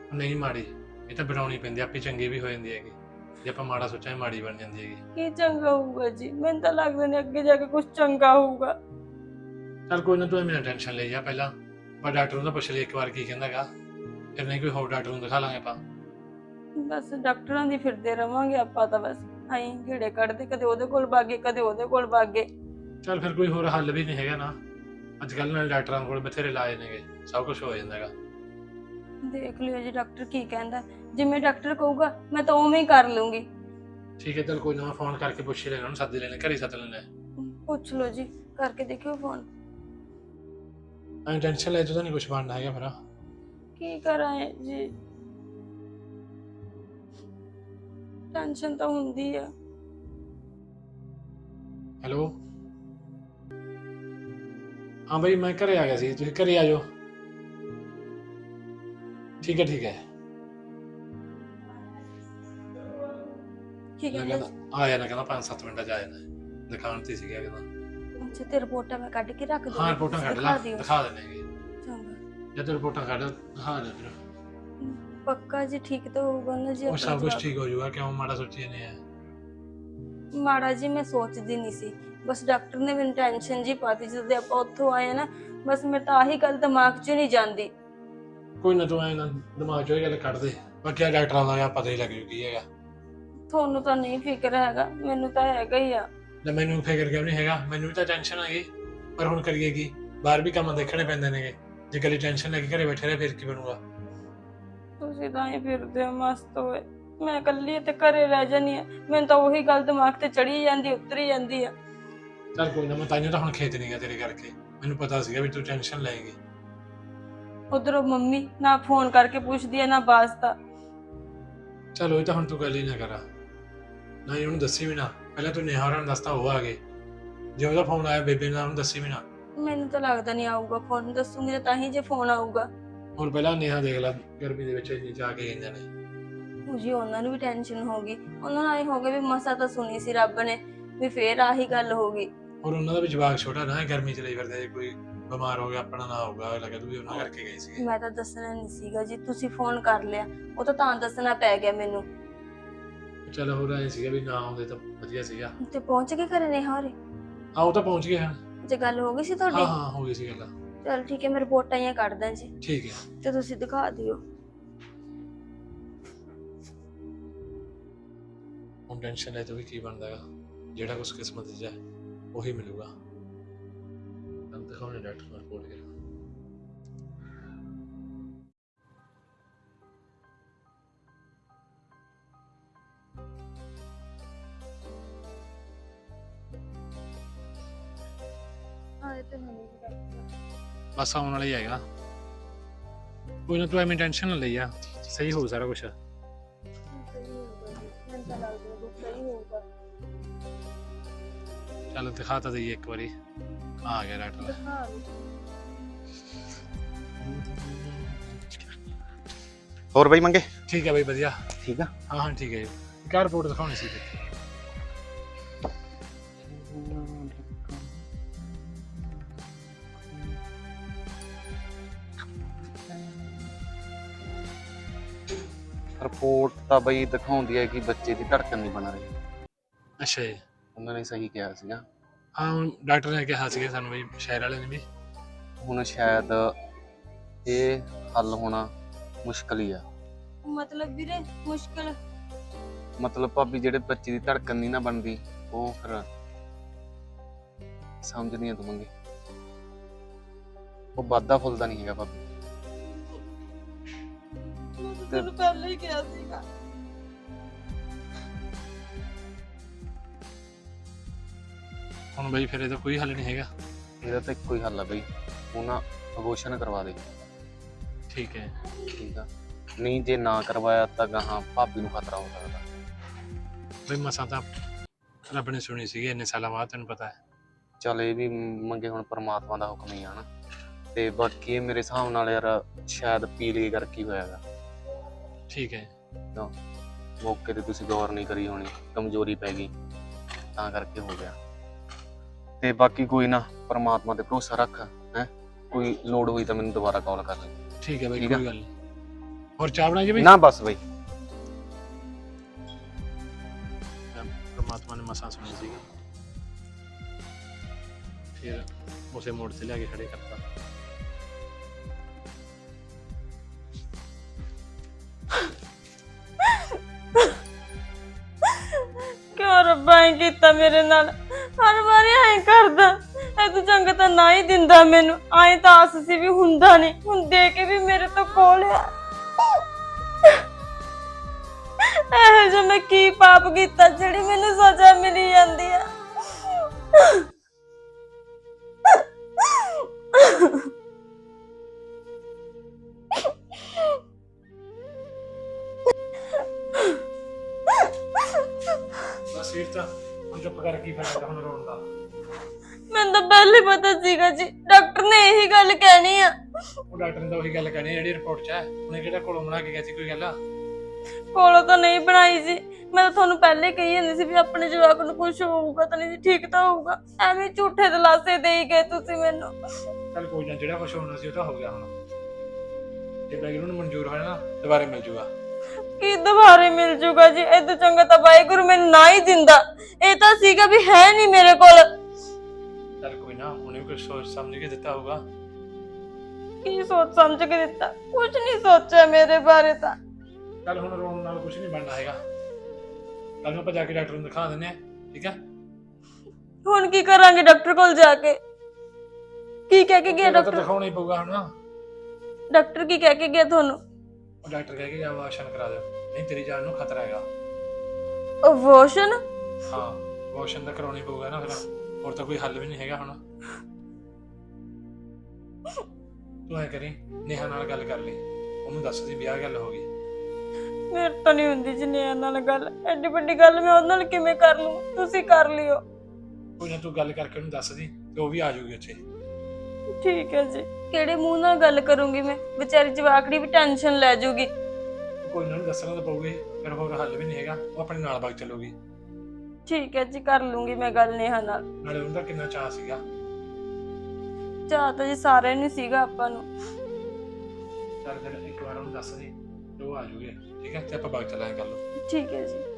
S1: ਨਹੀਂ ਮਾੜੀ, ਇਹ ਤਾਂ ਬਣਾਉਣੀ ਪੈਂਦੀ, ਆਪੇ ਚੰਗੀ ਵੀ ਹੋ ਜਾਂਦੀ ਹੈਗੀ। ਜੇ ਆਪਾਂ ਮਾੜਾ ਸੋਚਾਂਗੇ ਮਾੜੀ ਬਣ ਜਾਂਦੀ ਹੈਗੀ।
S2: ਕੀ ਚੰਗਾ ਹੋਊਗਾ ਜੀ? ਮੈਨੂੰ ਤਾਂ ਲੱਗਦਾ ਨਹੀਂ ਅੱਗੇ ਜਾ ਕੇ ਕੁਝ ਚੰਗਾ ਹੋਊਗਾ।
S1: ਚੱਲ ਕੋਈ ਨਾ, ਤੂੰ ਐਵੇਂ ਟੈਨਸ਼ਨ ਲਈ ਜਾ, ਪਹਿਲਾਂ ਆਪਾਂ ਡਾਕਟਰ ਨੂੰ ਤਾਂ ਪੁੱਛ ਲਈ ਇੱਕ ਵਾਰ ਕੀ ਕਹਿੰਦਾਗਾ, ਫਿਰ ਨਹੀਂ ਕੋਈ ਹੋਰ ਡਾਕਟਰ ਨੂੰ ਦਿਖਾ ਲਾਂਗੇ ਆਪਾਂ।
S2: ਬਸ ਡਾਕਟਰਾਂ ਦੀ ਫਿਰਦੇ ਰਵਾਂਗੇ ਆਪਾਂ ਤਾਂ, ਬਸ ਆਈ ਘੇੜੇ ਕੱਢਦੇ, ਕਦੇ ਉਹਦੇ ਕੋਲ ਭਾਗੇ ਕਦੇ ਉਹਦੇ ਕੋਲ ਭਾਗੇ।
S1: ਚੱਲ ਫਿਰ ਕੋਈ ਹੋਰ ਹੱਲ ਵੀ ਨਹੀਂ ਹੈਗਾ ਨਾ, ਅੱਜ ਕੱਲ੍ਹ ਨਾਲ ਡਾਕਟਰਾਂ ਕੋਲ ਬਥੇਰੇ ਇਲਾਜ ਨੇਗੇ, ਸਭ ਕੁਝ ਹੋ ਜਾਂਦਾ ਹੈਗਾ।
S2: ਦੇਖ ਲਿਓ ਜੀ ਡਾਕਟਰ ਕੀ ਕਹਿੰਦਾ, ਜਿਵੇਂ ਡਾਕਟਰ ਕਹੂਗਾ ਮੈਂ ਤਾਂ ਉਵੇਂ ਹੀ ਕਰ ਲੂੰਗੀ।
S1: ਠੀਕ ਹੈ, ਚੱਲ ਕੋਈ ਨਾ, ਮੈਂ ਫੋਨ ਕਰਕੇ ਪੁੱਛ ਹੀ ਲੈਣਾ, ਉਹਨੂੰ ਸੱਦ ਲੈਣੇ, ਘਰੇ ਸੱਦ ਲੈਣਾ।
S2: ਪੁੱਛ ਲਓ ਜੀ, ਕਰਕੇ ਦੇਖਿਓ ਫੋਨ।
S1: ਐਂ ਟੈਨਸ਼ਨ ਲੈ ਤਾਂ ਨਹੀਂ ਕੁਝ ਬਣਨਾ ਹੈਗਾ ਫਿਰ।
S2: ਕੀ ਕਰਾਂ ਜੀ, ਟੈਨਸ਼ਨ ਤਾਂ ਹੁੰਦੀ ਆ।
S1: ਹੈਲੋ, ਹਾਂ ਬਈ ਮੈਂ ਘਰੇ ਆ ਗਿਆ ਸੀ, ਤੁਸੀਂ ਘਰੇ ਆ ਜਾਓ। ਠੀਕ ਹੈ ਠੀਕ ਹੈ।
S2: ਕੀ
S1: ਮੈਂ
S2: ਕਹਿੰਦਾ?
S1: ਕਹਿੰਦਾ ਆ ਜਾਣਾ, ਕਹਿੰਦਾ 5-7 ਮਿੰਟਾਂ 'ਚ ਆ ਜਾਣਾ, ਦੁਕਾਨ ਤੇ ਸੀਗਾ ਕਹਿੰਦਾ।
S2: ਅੱਛਾ ਤੇ ਰਿਪੋਰਟਾਂ ਮੈਂ ਕੱਢ ਕੇ ਰੱਖ ਦੂੰ।
S1: ਹਾਂ ਰਿਪੋਰਟਾਂ ਕੱਢ ਲਾ, ਦਿਖਾ ਦੇਣਗੇ।
S2: ਚੰਗਾ,
S1: ਜਦ ਰਿਪੋਰਟਾਂ ਕੱਢ ਦਿਖਾ ਦੇ ਫਿਰ।
S2: ਪੱਕਾ ਜੀ ਠੀਕ ਤਾਂ ਹੋਊਗਾ ਨਾ ਜੀ?
S1: ਉਹ
S2: ਆਪਣਾ
S1: ਸਭ ਕੁਝ
S2: ਜਵਾਬ?
S1: ਠੀਕ ਹੋ ਜਾਊਗਾ, ਕਿਉਂ ਮਾੜਾ ਸੋਚੀ ਜਾਂਦੇ ਆ।
S2: ਮਾੜਾ ਜੀ ਮੈਂ ਸੋਚਦੀ ਨਹੀਂ ਸੀ, ਬਸ ਡਾਕਟਰ ਨੇ ਮੈਨੂੰ ਟੈਨਸ਼ਨ ਜੀ ਪਾਤੀ ਜਦੋਂ ਆਪਾਂ ਉੱਥੋਂ ਆਏ ਨਾ, ਬਸ ਮੇਰੇ ਤਾਂ ਆਹੀ ਗੱਲ ਦਿਮਾਗ 'ਚ ਨਹੀਂ ਜਾਂਦੀ।
S1: ਕੋਈ ਨਾ, ਤੂੰ ਐਂ ਨਾ ਦਿਮਾਗ 'ਚੋਂ ਇਹ ਗੱਲ ਕੱਢ ਦੇ, ਬਾਕੀ ਆ ਡਾਕਟਰਾਂ ਦਾ ਪਤਾ ਹੀ ਲੱਗ ਜੂ ਕੀ ਹੈਗਾ।
S2: ਤੁਹਾਨੂੰ ਤਾਂ ਨਹੀਂ ਫਿਕਰ ਹੈਗਾ, ਮੈਨੂੰ ਤਾਂ ਹੈਗਾ ਹੀ ਆ।
S1: ਲੈ ਮੈਨੂੰ ਫਿਕਰ ਕਿਉਂ ਨਹੀਂ ਹੈਗਾ, ਮੈਨੂੰ ਵੀ ਤਾਂ ਟੈਨਸ਼ਨ ਹੈਗੀ, ਪਰ ਹੁਣ ਕਰੀਏ ਕੀ, ਬਾਹਰ ਵੀ ਕੰਮ ਦੇਖਣੇ ਪੈਂਦੇ ਨੇਗੇ, ਜੇ ਕੱਲੀ ਟੈਨਸ਼ਨ ਲੈ ਕੇ ਘਰੇ ਬੈਠੇ ਰਹੇ ਫਿਰ ਕੀ ਬਣੂਗਾ।
S2: ਤੁਸੀਂ ਤਾਂ ਹੀ ਫਿਰਦੇ ਹੋ ਮਸਤ ਹੋਏ, ਮੈਂ ਇਕੱਲੀ ਤੇ ਘਰੇ ਰਹਿ ਜਾਨੀ ਆ, ਮੈਨੂੰ ਤਾਂ ਉਹੀ ਗੱਲ ਦਿਮਾਗ ਤੇ ਚੜੀ ਜਾਂਦੀ, ਉਤਰੀ ਜਾਂਦੀ ਆ।
S1: ਚੱਲ ਕੋਈ ਨਾ, ਮੈਂ ਤਾਈਓ ਤਾਂ ਹੁਣ ਖੇਤ ਨਹੀਂ ਗਿਆ ਤੇਰੇ ਕਰਕੇ, ਮੈਨੂੰ ਪਤਾ ਸੀਗਾ ਵੀ ਤੂੰ ਟੈਨਸ਼ਨ ਲਏਂਗੀ।
S2: ਉਧਰੋਂ ਮੰਮੀ ਨਾ ਫੋਨ ਕਰਕੇ ਪੁੱਛਦੀ ਆ ਨਾ ਵਾਸਤਾ।
S1: ਚਲੋ ਇਹ ਤਾਂ ਹੁਣ ਤੂੰ ਗੱਲ ਹੀ ਨਾ ਕਰਾ, ਨਾ ਹੀ ਉਹਨੂੰ ਦੱਸੀ ਵੀ ਨਾ, ਪਹਿਲਾਂ ਤੂੰ ਨੇਹਾ ਹੋਰਾਂ ਨੂੰ ਦੱਸਤਾ ਉਹ ਆ ਗਏ, ਜੇ ਉਹਦਾ ਫੋਨ ਆਇਆ ਬੇਬੇ ਨਾਲ ਉਹਨੂੰ ਦੱਸੀ ਵੀ ਨਾ।
S2: ਮੈਨੂੰ ਤਾਂ ਲੱਗਦਾ ਨਹੀਂ ਆਊਗਾ ਫੋਨ, ਦੱਸੂਗੀ ਤਾਂ ਹੀ ਜੇ ਫੋਨ ਆਊਗਾ।
S1: ਹੁਣ ਪਹਿਲਾਂ ਨੇਹਾ ਦੇਖ ਲੈ, ਗਰਮੀ ਦੇ ਵਿੱਚ ਇੰਨੀ ਜਾ ਕੇ ਗਈਆਂ ਨੇ।
S2: ਜੀ ਉਹਨਾਂ ਨੂੰ ਵੀ ਟੈਨਸ਼ਨ ਹੋ ਗਈ, ਉਹਨਾਂ ਨੂੰ ਆਏ ਹੋ ਗਿਆ ਵੀ ਮਸਾ ਤਾਂ ਸੁਣੀ ਸੀ ਰੱਬ ਨੇ, ਵੀ ਫੇਰ ਆਹੀ ਗੱਲ ਹੋ ਗਈ।
S1: ਔਰ ਉਹਨਾਂ ਦਾ ਵੀ ਜਵਾਕ ਛੋਟਾ ਨਾ, ਗਰਮੀ ਚ ਲਈ ਫਿਰਦੇ, ਜੇ ਕੋਈ ਬਿਮਾਰ ਹੋ ਗਿਆ ਆਪਣਾ ਨਾ ਹੋਊਗਾ, ਲੱਗੇ ਤੂੰ ਵੀ ਉਹਨਾਂ ਕਰਕੇ ਗਈ ਸੀ।
S2: ਮੈਂ ਤਾਂ ਦੱਸਣਾ ਨਹੀਂ ਸੀਗਾ ਜੀ, ਤੁਸੀਂ ਫੋਨ ਕਰ ਲਿਆ, ਉਹ ਤਾਂ ਦੱਸਣਾ ਪੈ ਗਿਆ ਮੈਨੂੰ।
S1: ਚਲ ਹੋਰ ਐ ਸੀਗਾ ਵੀ ਨਾ ਆਉਂਦੇ ਤਾਂ ਵਧੀਆ ਸੀਗਾ।
S2: ਤੇ ਪਹੁੰਚ ਕੇ ਘਰੇ ਨੇ ਹਾਰੇ?
S1: ਆਓ ਤਾਂ ਪਹੁੰਚ ਗਏ ਹਨ।
S2: ਜੇ ਗੱਲ ਹੋ ਗਈ ਸੀ ਤੁਹਾਡੀ?
S1: ਹਾਂ ਹਾਂ ਹੋ ਗਈ ਸੀ ਗੱਲ।
S2: ਚਲ ਠੀਕ ਹੈ, ਮੈਂ ਰਿਪੋਰਟਾਂ ਹੀ ਕੱਢਦਾ ਜੀ,
S1: ਠੀਕ ਹੈ।
S2: ਤੇ ਤੁਸੀਂ ਦਿਖਾ ਦਿਓ।
S1: ਹੁਣ ਟੈਨਸ਼ਨ ਲੈ ਤਾਂ ਵੀ ਕੀ ਬਣਦਾ ਹੈਗਾ, ਜਿਹੜਾ ਕੁਛ ਕਿਸਮਤ 'ਚ ਹੈ ਉਹੀ ਮਿਲੂਗਾ। ਦਿਖਾਉਣੇ ਡਾਕਟਰ ਨੂੰ ਰਿਪੋਰਟ ਕਰਾ।
S2: ਆਏ ਤੇ ਨਹੀਂ ਡਾਕਟਰ।
S1: ਬਸ ਆਉਣ ਵਾਲਾ ਹੀ ਹੈਗਾ, ਕੋਈ ਨਾ ਤੂੰ ਐਵੇਂ ਟੈਨਸ਼ਨ ਨਾ ਲਈ ਆ, ਸਹੀ ਹੋ ਸਾਰਾ ਕੁਛ।
S2: ਸਹੀ ਹੋਊਗਾ ਜੀ, ਮੈਨੂੰ ਤਾਂ ਲੱਗਦਾ ਵੀ ਸਹੀ ਹੋਊਗਾ।
S1: ਚੱਲ ਦਿਖਾ ਤਾਂ ਦਈਏ ਇੱਕ ਵਾਰੀ, ਆ ਗਿਆ ਡਾਕਟਰ।
S2: ਦਿਖਾ ਦਿਓ।
S6: ਹੋਰ ਬਈ ਮੰਗੇ
S1: ਠੀਕ ਹੈ ਬਈ, ਵਧੀਆ।
S6: ਠੀਕ ਆ।
S1: ਹਾਂ ਹਾਂ ਠੀਕ ਹੈ ਜੀ, ਇੱਕ ਰਿਪੋਰਟ ਦਿਖਾਉਣੀ ਸੀ ਤੇ।
S6: ਰਿਪੋਰਟ ਤਾਂ ਬਈ ਦਿਖਾਉਂਦੀ ਹੈ ਕਿ ਬੱਚੇ ਦੀ ਧੜਕਣ ਨਹੀਂ ਬਣ ਰਹੀ।
S1: ਅੱਛਾ ਜੀ।
S6: ਉਹਨਾਂ ਨੇ ਸਹੀ ਕਿਹਾ ਸੀਗਾ।
S1: ਹਾਂ ਹੁਣ ਡਾਕਟਰ ਨੇ ਕਿਹਾ ਸੀਗਾ ਸਾਨੂੰ ਬਈ, ਸ਼ਹਿਰ ਵਾਲੇ ਨੇ ਵੀ।
S6: ਹੁਣ ਸ਼ਾਇਦ ਇਹ ਹੱਲ ਹੋਣਾ ਮੁਸ਼ਕਲ ਹੀ ਆ।
S2: ਮਤਲਬ ਵੀਰੇ ਮੁਸ਼ਕਲ?
S6: ਮਤਲਬ ਭਾਬੀ ਜਿਹੜੇ ਬੱਚੇ ਦੀ ਧੜਕਣ ਨਹੀਂ ਨਾ ਬਣਦੀ, ਉਹ ਫਿਰ ਸਮਝਦੀ ਆ ਤੂੰ ਮੰਗੇ, ਉਹ ਵਾਧਾ ਫੁੱਲਦਾ ਨਹੀਂ ਹੈਗਾ ਭਾਬੀ।
S2: ਤੈਨੂੰ ਪਹਿਲਾਂ ਹੀ ਕਿਹਾ ਸੀਗਾ।
S1: ਹੁਣ ਬਈ ਫਿਰ ਇਹਦਾ ਕੋਈ ਹੱਲ ਨਹੀਂ ਹੈਗਾ?
S6: ਇਹਦਾ ਤਾਂ ਇੱਕੋ ਹੀ ਹੱਲ ਆ ਬਈ, ਉਹ ਨਾ ਅਬੋਰਸ਼ਨ ਕਰਵਾ ਦੇ।
S1: ਠੀਕ ਹੈ।
S6: ਠੀਕ ਆ, ਨਹੀਂ ਜੇ ਨਾ ਕਰਵਾਇਆ ਤਾਂ ਗਾਹਾਂ ਭਾਬੀ ਨੂੰ ਖਤਰਾ ਹੋ ਸਕਦਾ।
S1: ਬਈ ਮਸਾਂ ਤਾਂ ਰੱਬ ਨੇ ਸੁਣੀ ਸੀਗੀ ਇੰਨੇ ਸਾਲਾਂ ਬਾਅਦ, ਤੈਨੂੰ ਪਤਾ ਹੈ।
S6: ਚੱਲ ਇਹ ਵੀ ਮੰਗੇ ਹੁਣ ਪਰਮਾਤਮਾ ਦਾ ਹੁਕਮ ਹੀ ਆ ਨਾ। ਤੇ ਬਾਕੀ ਇਹ ਮੇਰੇ ਹਿਸਾਬ ਨਾਲ ਯਾਰ ਸ਼ਾਇਦ ਪੀਲੀਏ ਕਰਕੇ ਹੋਇਆਗਾ।
S1: ਠੀਕ ਹੈ।
S6: ਮੌਕੇ ਤੇ ਤੁਸੀਂ ਗੌਰ ਨਹੀਂ ਕਰੀ ਹੋਣੀ, ਕਮਜ਼ੋਰੀ ਪੈ ਗਈ ਤਾਂ ਕਰਕੇ ਹੋ ਗਿਆ। ਤੇ ਬਾਕੀ ਕੋਈ ਨਾ, ਪਰਮਾਤਮਾ ਤੇ ਭਰੋਸਾ ਰੱਖ ਹੈ, ਕੋਈ ਲੋੜ ਹੋਈ ਤਾਂ ਮੈਨੂੰ ਦੁਬਾਰਾ ਕਾਲ ਕਰ ਲੈ।
S1: ਠੀਕ ਹੈ ਬਈ,
S6: ਠੀਕ ਆ।
S1: ਕੋਈ ਗੱਲ ਨਹੀਂ। ਹੋਰ ਚਾਹ ਬਣਾਈ ਜੀ ਬਈ?
S6: ਨਾ ਬਸ ਬਈ।
S1: ਪਰਮਾਤਮਾ ਨੇ ਮਸਾਂ ਸੁਣੀ ਸੀਗੀ, ਫਿਰ ਉਸੇ ਮੋੜ ਤੇ ਲਿਆ ਕੇ ਖੜੇ ਕਰਤਾ।
S2: ਕਿਉਂ ਰੱਬਾ ਐਂ ਕੀਤਾ ਮੇਰੇ ਨਾਲ? ਹਰ ਵਾਰੀ ਐਂ ਕਰਦਾ। ਇਹ ਤੂੰ ਚੰਗਾ ਤਾਂ ਨਾ ਹੀ ਦਿੰਦਾ ਮੈਨੂੰ। ਐਂ ਤਾਂ ਆਸ ਸੀ ਵੀ ਹੁੰਦਾ ਨਹੀਂ, ਹੁਣ ਦੇ ਕੇ ਵੀ ਮੇਰੇ ਤੋਂ ਕੋਲ ਆ। ਇਹੋ ਜਿਹਾ ਮੈਂ ਕੀ ਪਾਪ ਕੀਤਾ ਜਿਹੜੀ ਮੈਨੂੰ ਸਜ਼ਾ ਮਿਲੀ ਜਾਂਦੀ ਆ?
S1: ਬਸ ਫਿਰ ਤਾਂ ਹੁਣ ਚੁੱਪ ਕਰ, ਕੀ ਫਾਇਦਾ ਹੁਣ ਰੋਣ ਦਾ?
S2: ਮੈਨੂੰ ਤਾਂ ਪਹਿਲੇ ਪਤਾ ਸੀਗਾ ਜੀ, ਡਾਕਟਰ ਨੇ ਇਹੀ ਗੱਲ ਕਹਿਣੀ ਆ।
S1: ਉਹ ਡਾਕਟਰ ਨੇ ਤਾਂ ਉਹੀ ਗੱਲ ਕਹਿਣੀ ਜਿਹੜੀ ਰਿਪੋਰਟ 'ਚ ਹੈ। ਉਹਨੇ ਕਿਹੜਾ ਕੋਲੋਂ ਬਣਾ ਕੇ ਗਿਆ ਸੀ ਕੋਈ ਗੱਲ?
S2: ਕੋਲੋਂ ਤਾਂ ਨਹੀਂ ਬਣਾਈ ਸੀ। ਮੈਂ ਤਾਂ ਤੁਹਾਨੂੰ ਪਹਿਲੇ ਕਹੀ ਜਾਂਦੀ ਸੀ ਵੀ ਆਪਣੇ ਜਵਾਕ ਨੂੰ ਕੁਝ ਹੋਊਗਾ ਤਾਂ ਨਹੀਂ ਜੀ, ਠੀਕ ਤਾਂ ਹੋਊਗਾ। ਐਵੇਂ ਝੂਠੇ ਦਿਲਾਸੇ ਦੇ ਹੀ ਗਏ ਤੁਸੀਂ ਮੈਨੂੰ।
S1: ਚੱਲ ਕੋਈ ਨਾ, ਜਿਹੜਾ ਕੁਛ ਹੋਣਾ ਸੀ ਉਹ ਤਾਂ ਹੋ ਗਿਆ ਹੁਣ। ਜੇ ਬੈਗਰੂ ਨੂੰ ਮਨਜ਼ੂਰ ਹੋਇਆ ਨਾ, ਦੁਬਾਰੇ ਮਿਲ ਜੂਗਾ।
S2: ਕੀ ਦੁਬਾਰੇ ਮਿਲ ਜੂਗਾ ਜੀ? ਇਹ ਤਾਂ ਚੰਗਾ ਤਾਂ ਵਾਹਿਗੁਰੂ ਮੈਨੂੰ ਨਾ ਹੀ ਦਿੰਦਾ। ਇਹ ਤਾਂ ਸੀਗਾ ਵੀ ਹੈ ਨਹੀਂ ਮੇਰੇ ਕੋਲ।
S1: ਚੱਲ ਕੋਈ ਨਾ, ਉਹਨੇ ਵੀ ਕੁਝ ਸੋਚ ਸਮਝ ਕੇ ਦਿੱਤਾ ਹੋਊਗਾ।
S2: ਕੀ ਸੋਚ ਸਮਝ ਕੇ ਦਿੱਤਾ? ਕੁਝ ਨਹੀਂ ਸੋਚਿਆ ਮੇਰੇ ਬਾਰੇ ਤਾਂ।
S1: ਚੱਲ ਹੁਣ ਰੋਣ ਨਾਲ ਕੁਝ ਨਹੀਂ ਬਣਨਾ ਹੈਗਾ। ਕੱਲ ਨੂੰ ਆਪਾਂ ਜਾ ਕੇ ਡਾਕਟਰ ਨੂੰ ਦਿਖਾ ਦਿੰਦੇ ਆ, ਠੀਕ ਹੈ?
S2: ਹੁਣ ਕੀ ਕਰਾਂਗੇ ਡਾਕਟਰ ਕੋਲ ਜਾ ਕੇ? ਕੀ ਕਹਿ ਕੇ ਗਿਆ
S1: ਤਾਂ
S2: ਡਾਕਟਰ?
S1: ਦਿਖਾਉਣਾ ਹੀ ਪਊਗਾ ਹੁਣ।
S2: ਡਾਕਟਰ ਕੀ ਕਹਿ ਕੇ ਗਿਆ ਤੁਹਾਨੂੰ?
S1: ਉਹ ਡਾਕਟਰ ਕਹਿ ਕੇ ਵਾਸ਼ਨ ਕਰਾ ਦਿਓ, ਨਹੀਂ ਤੇਰੀ ਜਾਨ ਨੂੰ ਖਤਰਾ ਹੈਗਾ।
S2: ਅਬੋਰਸ਼ਨ?
S1: ਹਾਂ, ਵਾਸ਼ਨ ਤਾਂ ਕਰਾਉਣੀ ਪਊਗਾ ਨਾ ਫਿਰ, ਹੋਰ ਤਾਂ ਕੋਈ ਹੱਲ ਵੀ ਨਹੀਂ ਹੈਗਾ ਹੁਣ। ਤੂੰ ਐ ਕਰੀ, ਨੇਹਾ ਨਾਲ ਗੱਲ ਕਰ ਲਈ, ਉਹਨੂੰ ਦੱਸ ਦੀ ਵੀ ਆਹ ਗੱਲ ਹੋ ਗਈ।
S2: ਮੇਰੇ ਤੋਂ ਨਹੀਂ ਹੁੰਦੀ ਜੀ ਨੇਹਾ ਨਾਲ ਗੱਲ। ਐਡੀ ਵੱਡੀ ਗੱਲ ਮੈਂ ਉਹਦੇ ਨਾਲ ਕਿਵੇਂ ਕਰ ਲੂੰ? ਤੁਸੀਂ ਕਰ ਲਿਓ।
S1: ਕੋਈ ਨਾ, ਤੂੰ ਗੱਲ ਕਰਕੇ ਉਹਨੂੰ ਦੱਸ ਦੀ ਤੇ ਉਹ ਵੀ ਆ ਜਾਊਗੀ ਉੱਥੇ।
S2: ਠੀਕ ਹੈ ਜੀ। ਕਿਹੜੇ ਮੂੰਹ ਨਾਲ ਗੱਲ ਕਰੂੰਗੀ ਮੈਂ? ਵਿਚਾਰੀ ਜਵਾਕੜੀ ਵੀ ਟੈਨਸ਼ਨ ਲੈ ਜਾਊਗੀ।
S1: ਕੋਈ ਨਾ, ਉਹਨੂੰ ਦੱਸਣਾ ਤਾਂ ਪਊਗਾ ਹੀ, ਫਿਰ ਹੋਰ ਹੱਲ ਵੀ ਨਹੀਂ ਹੈਗਾ। ਉਹ ਆਪਣੇ ਨਾਲ ਵਗ ਚੱਲੂਗੀ।
S2: ਠੀਕ ਹੈ ਜੀ, ਕਰ ਲੂੰਗੀ ਮੈਂ ਗੱਲ ਨੇਹਾ ਨਾਲ।
S1: ਨਾਲੇ ਉਹਦਾ ਕਿੰਨਾ ਚਾਅ ਸੀਗਾ।
S2: ਚਾਹ ਤਾਂ ਜੀ ਸਾਰਿਆਂ ਨੂੰ ਸੀਗਾ ਆਪਾਂ ਨੂੰ।
S1: ਚੱਲ ਫਿਰ ਇੱਕ ਵਾਰ ਉਹਨੂੰ ਦੱਸ ਦੀ ਤੇ ਉਹ ਆ ਜਾਊਗੀ, ਠੀਕ ਹੈ? ਤੇ ਆਪਾਂ ਵਗ ਚੱਲਾਂਗੇ ਕੱਲ ਨੂੰ।
S2: ਠੀਕ ਹੈ ਜੀ।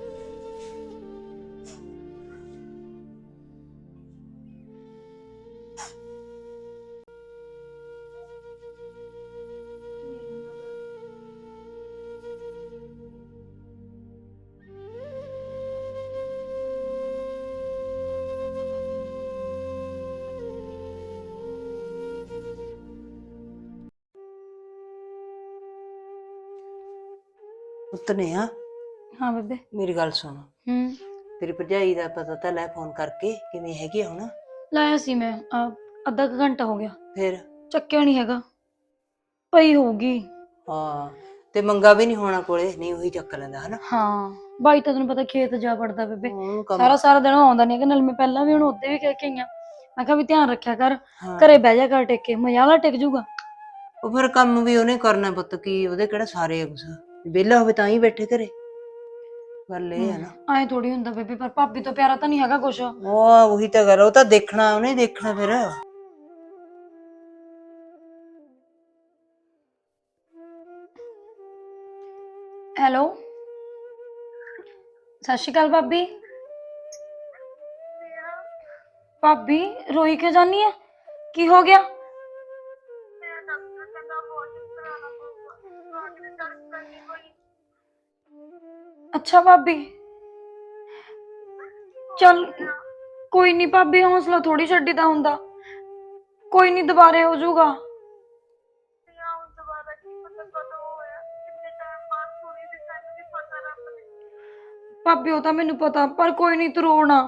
S5: ਪੁੱਤ ਨੇ ਆ
S3: ਹਾਂ ਬੇਬੇ।
S5: ਮੇਰੀ ਗੱਲ ਸੁਣ,
S3: ਹੂੰ।
S5: ਤੇਰੀ ਭਰਜਾਈ ਦਾ ਪਤਾ ਤਾਂ ਲੈ ਫੋਨ ਕਰਕੇ, ਕਿਵੇਂ ਹੈਗੀ ਆ ਹੁਣ?
S3: ਲਾਇਆ ਸੀ ਮੈਂ ਅੱਧਾ ਕੁ ਘੰਟਾ ਹੋ ਗਿਆ,
S5: ਫਿਰ
S3: ਚੱਕਿਆ ਨਹੀਂ ਹੈਗਾ। ਪਈ ਹੋਊਗੀ।
S5: ਹਾਂ, ਤੇ ਮੰਗਾ ਵੀ ਨਹੀਂ ਹੋਣਾ ਕੋਲੇ, ਨਹੀਂ ਉਹੀ ਚੱਕ ਲੈਂਦਾ ਹਨਾ।
S3: ਹਾਂ, ਬਾਈ ਤਾਂ ਤੈਨੂੰ ਪਤਾ ਖੇਤ ਜਾ ਵੜਦਾ ਬੇਬੇ।
S5: ਉਹਨੂੰ ਕੰਮ
S3: ਸਾਰਾ ਦਿਨ ਉਹ ਆਉਂਦਾ ਨਹੀਂ ਹੈਗਾ। ਨਾਲ ਮੈਂ ਪਹਿਲਾਂ ਵੀ ਉਹਨੂੰ ਉੱਤੇ ਵੀ ਕਹਿ ਕੇ ਆਈ ਆਂ, ਮੈਂ ਕਿਹਾ ਵੀ ਧਿਆਨ ਰੱਖਿਆ ਕਰ,
S5: ਹਾਂ।
S3: ਘਰੇ ਬਹਿ ਜਾ ਕਰ ਟਿਕ ਕੇ, ਮਜ਼ਾਲਾ ਟਿਕ ਜੂਗਾ।
S5: ਉਹ ਫਿਰ ਕੰਮ ਵੀ ਉਹਨੇ ਕਰਨਾ ਪੁੱਤ, ਕੀ ਉਹਦੇ ਕਿਹੜਾ ਸਾਰੇ ਆ ਕੁਛ? ਵਿਹਲਾ ਹੋਵੇ ਤਾਂ ਹੀ ਬੈਠੇ ਘਰੇ। ਗੱਲ ਇਹ ਹੈ ਨਾ।
S3: ਐਂ ਥੋੜੀ ਹੁੰਦਾ ਬੇਬੇ, ਪਰ ਭਾਬੀ ਤੋਂ ਪਿਆਰਾ ਤਾਂ ਨਹੀਂ ਹੈਗਾ ਕੁਛ।
S5: ਉਹ ਉਹੀ ਤਾਂ ਗੱਲ, ਉਹ ਤਾਂ ਦੇਖਣਾ, ਉਹਨੇ ਦੇਖਣਾ ਫਿਰ।
S3: ਹੈਲੋ, ਸਤਿ ਸ਼੍ਰੀ ਅਕਾਲ ਭਾਬੀ। ਭਾਬੀ ਰੋਈ ਕਿਉਂ ਜਾਨੀ ਆ? ਕੀ ਹੋ ਗਿਆ? ਅੱਛਾ ਭਾਬੀ, ਚੱਲ ਕੋਈ ਨਹੀਂ ਭਾਬੀ, ਹੌਸਲਾ ਥੋੜੀ ਛੱਡੀਦਾ ਹੁੰਦਾ। ਕੋਈ ਨਹੀਂ, ਦੁਬਾਰੇ ਹੋ ਜਾਊਗਾ। ਭਾਬੀ ਉਹ ਤਾਂ ਮੈਨੂੰ ਪਤਾ, ਪਰ ਕੋਈ ਨਹੀਂ, ਤੂੰ ਰੋਣਾ।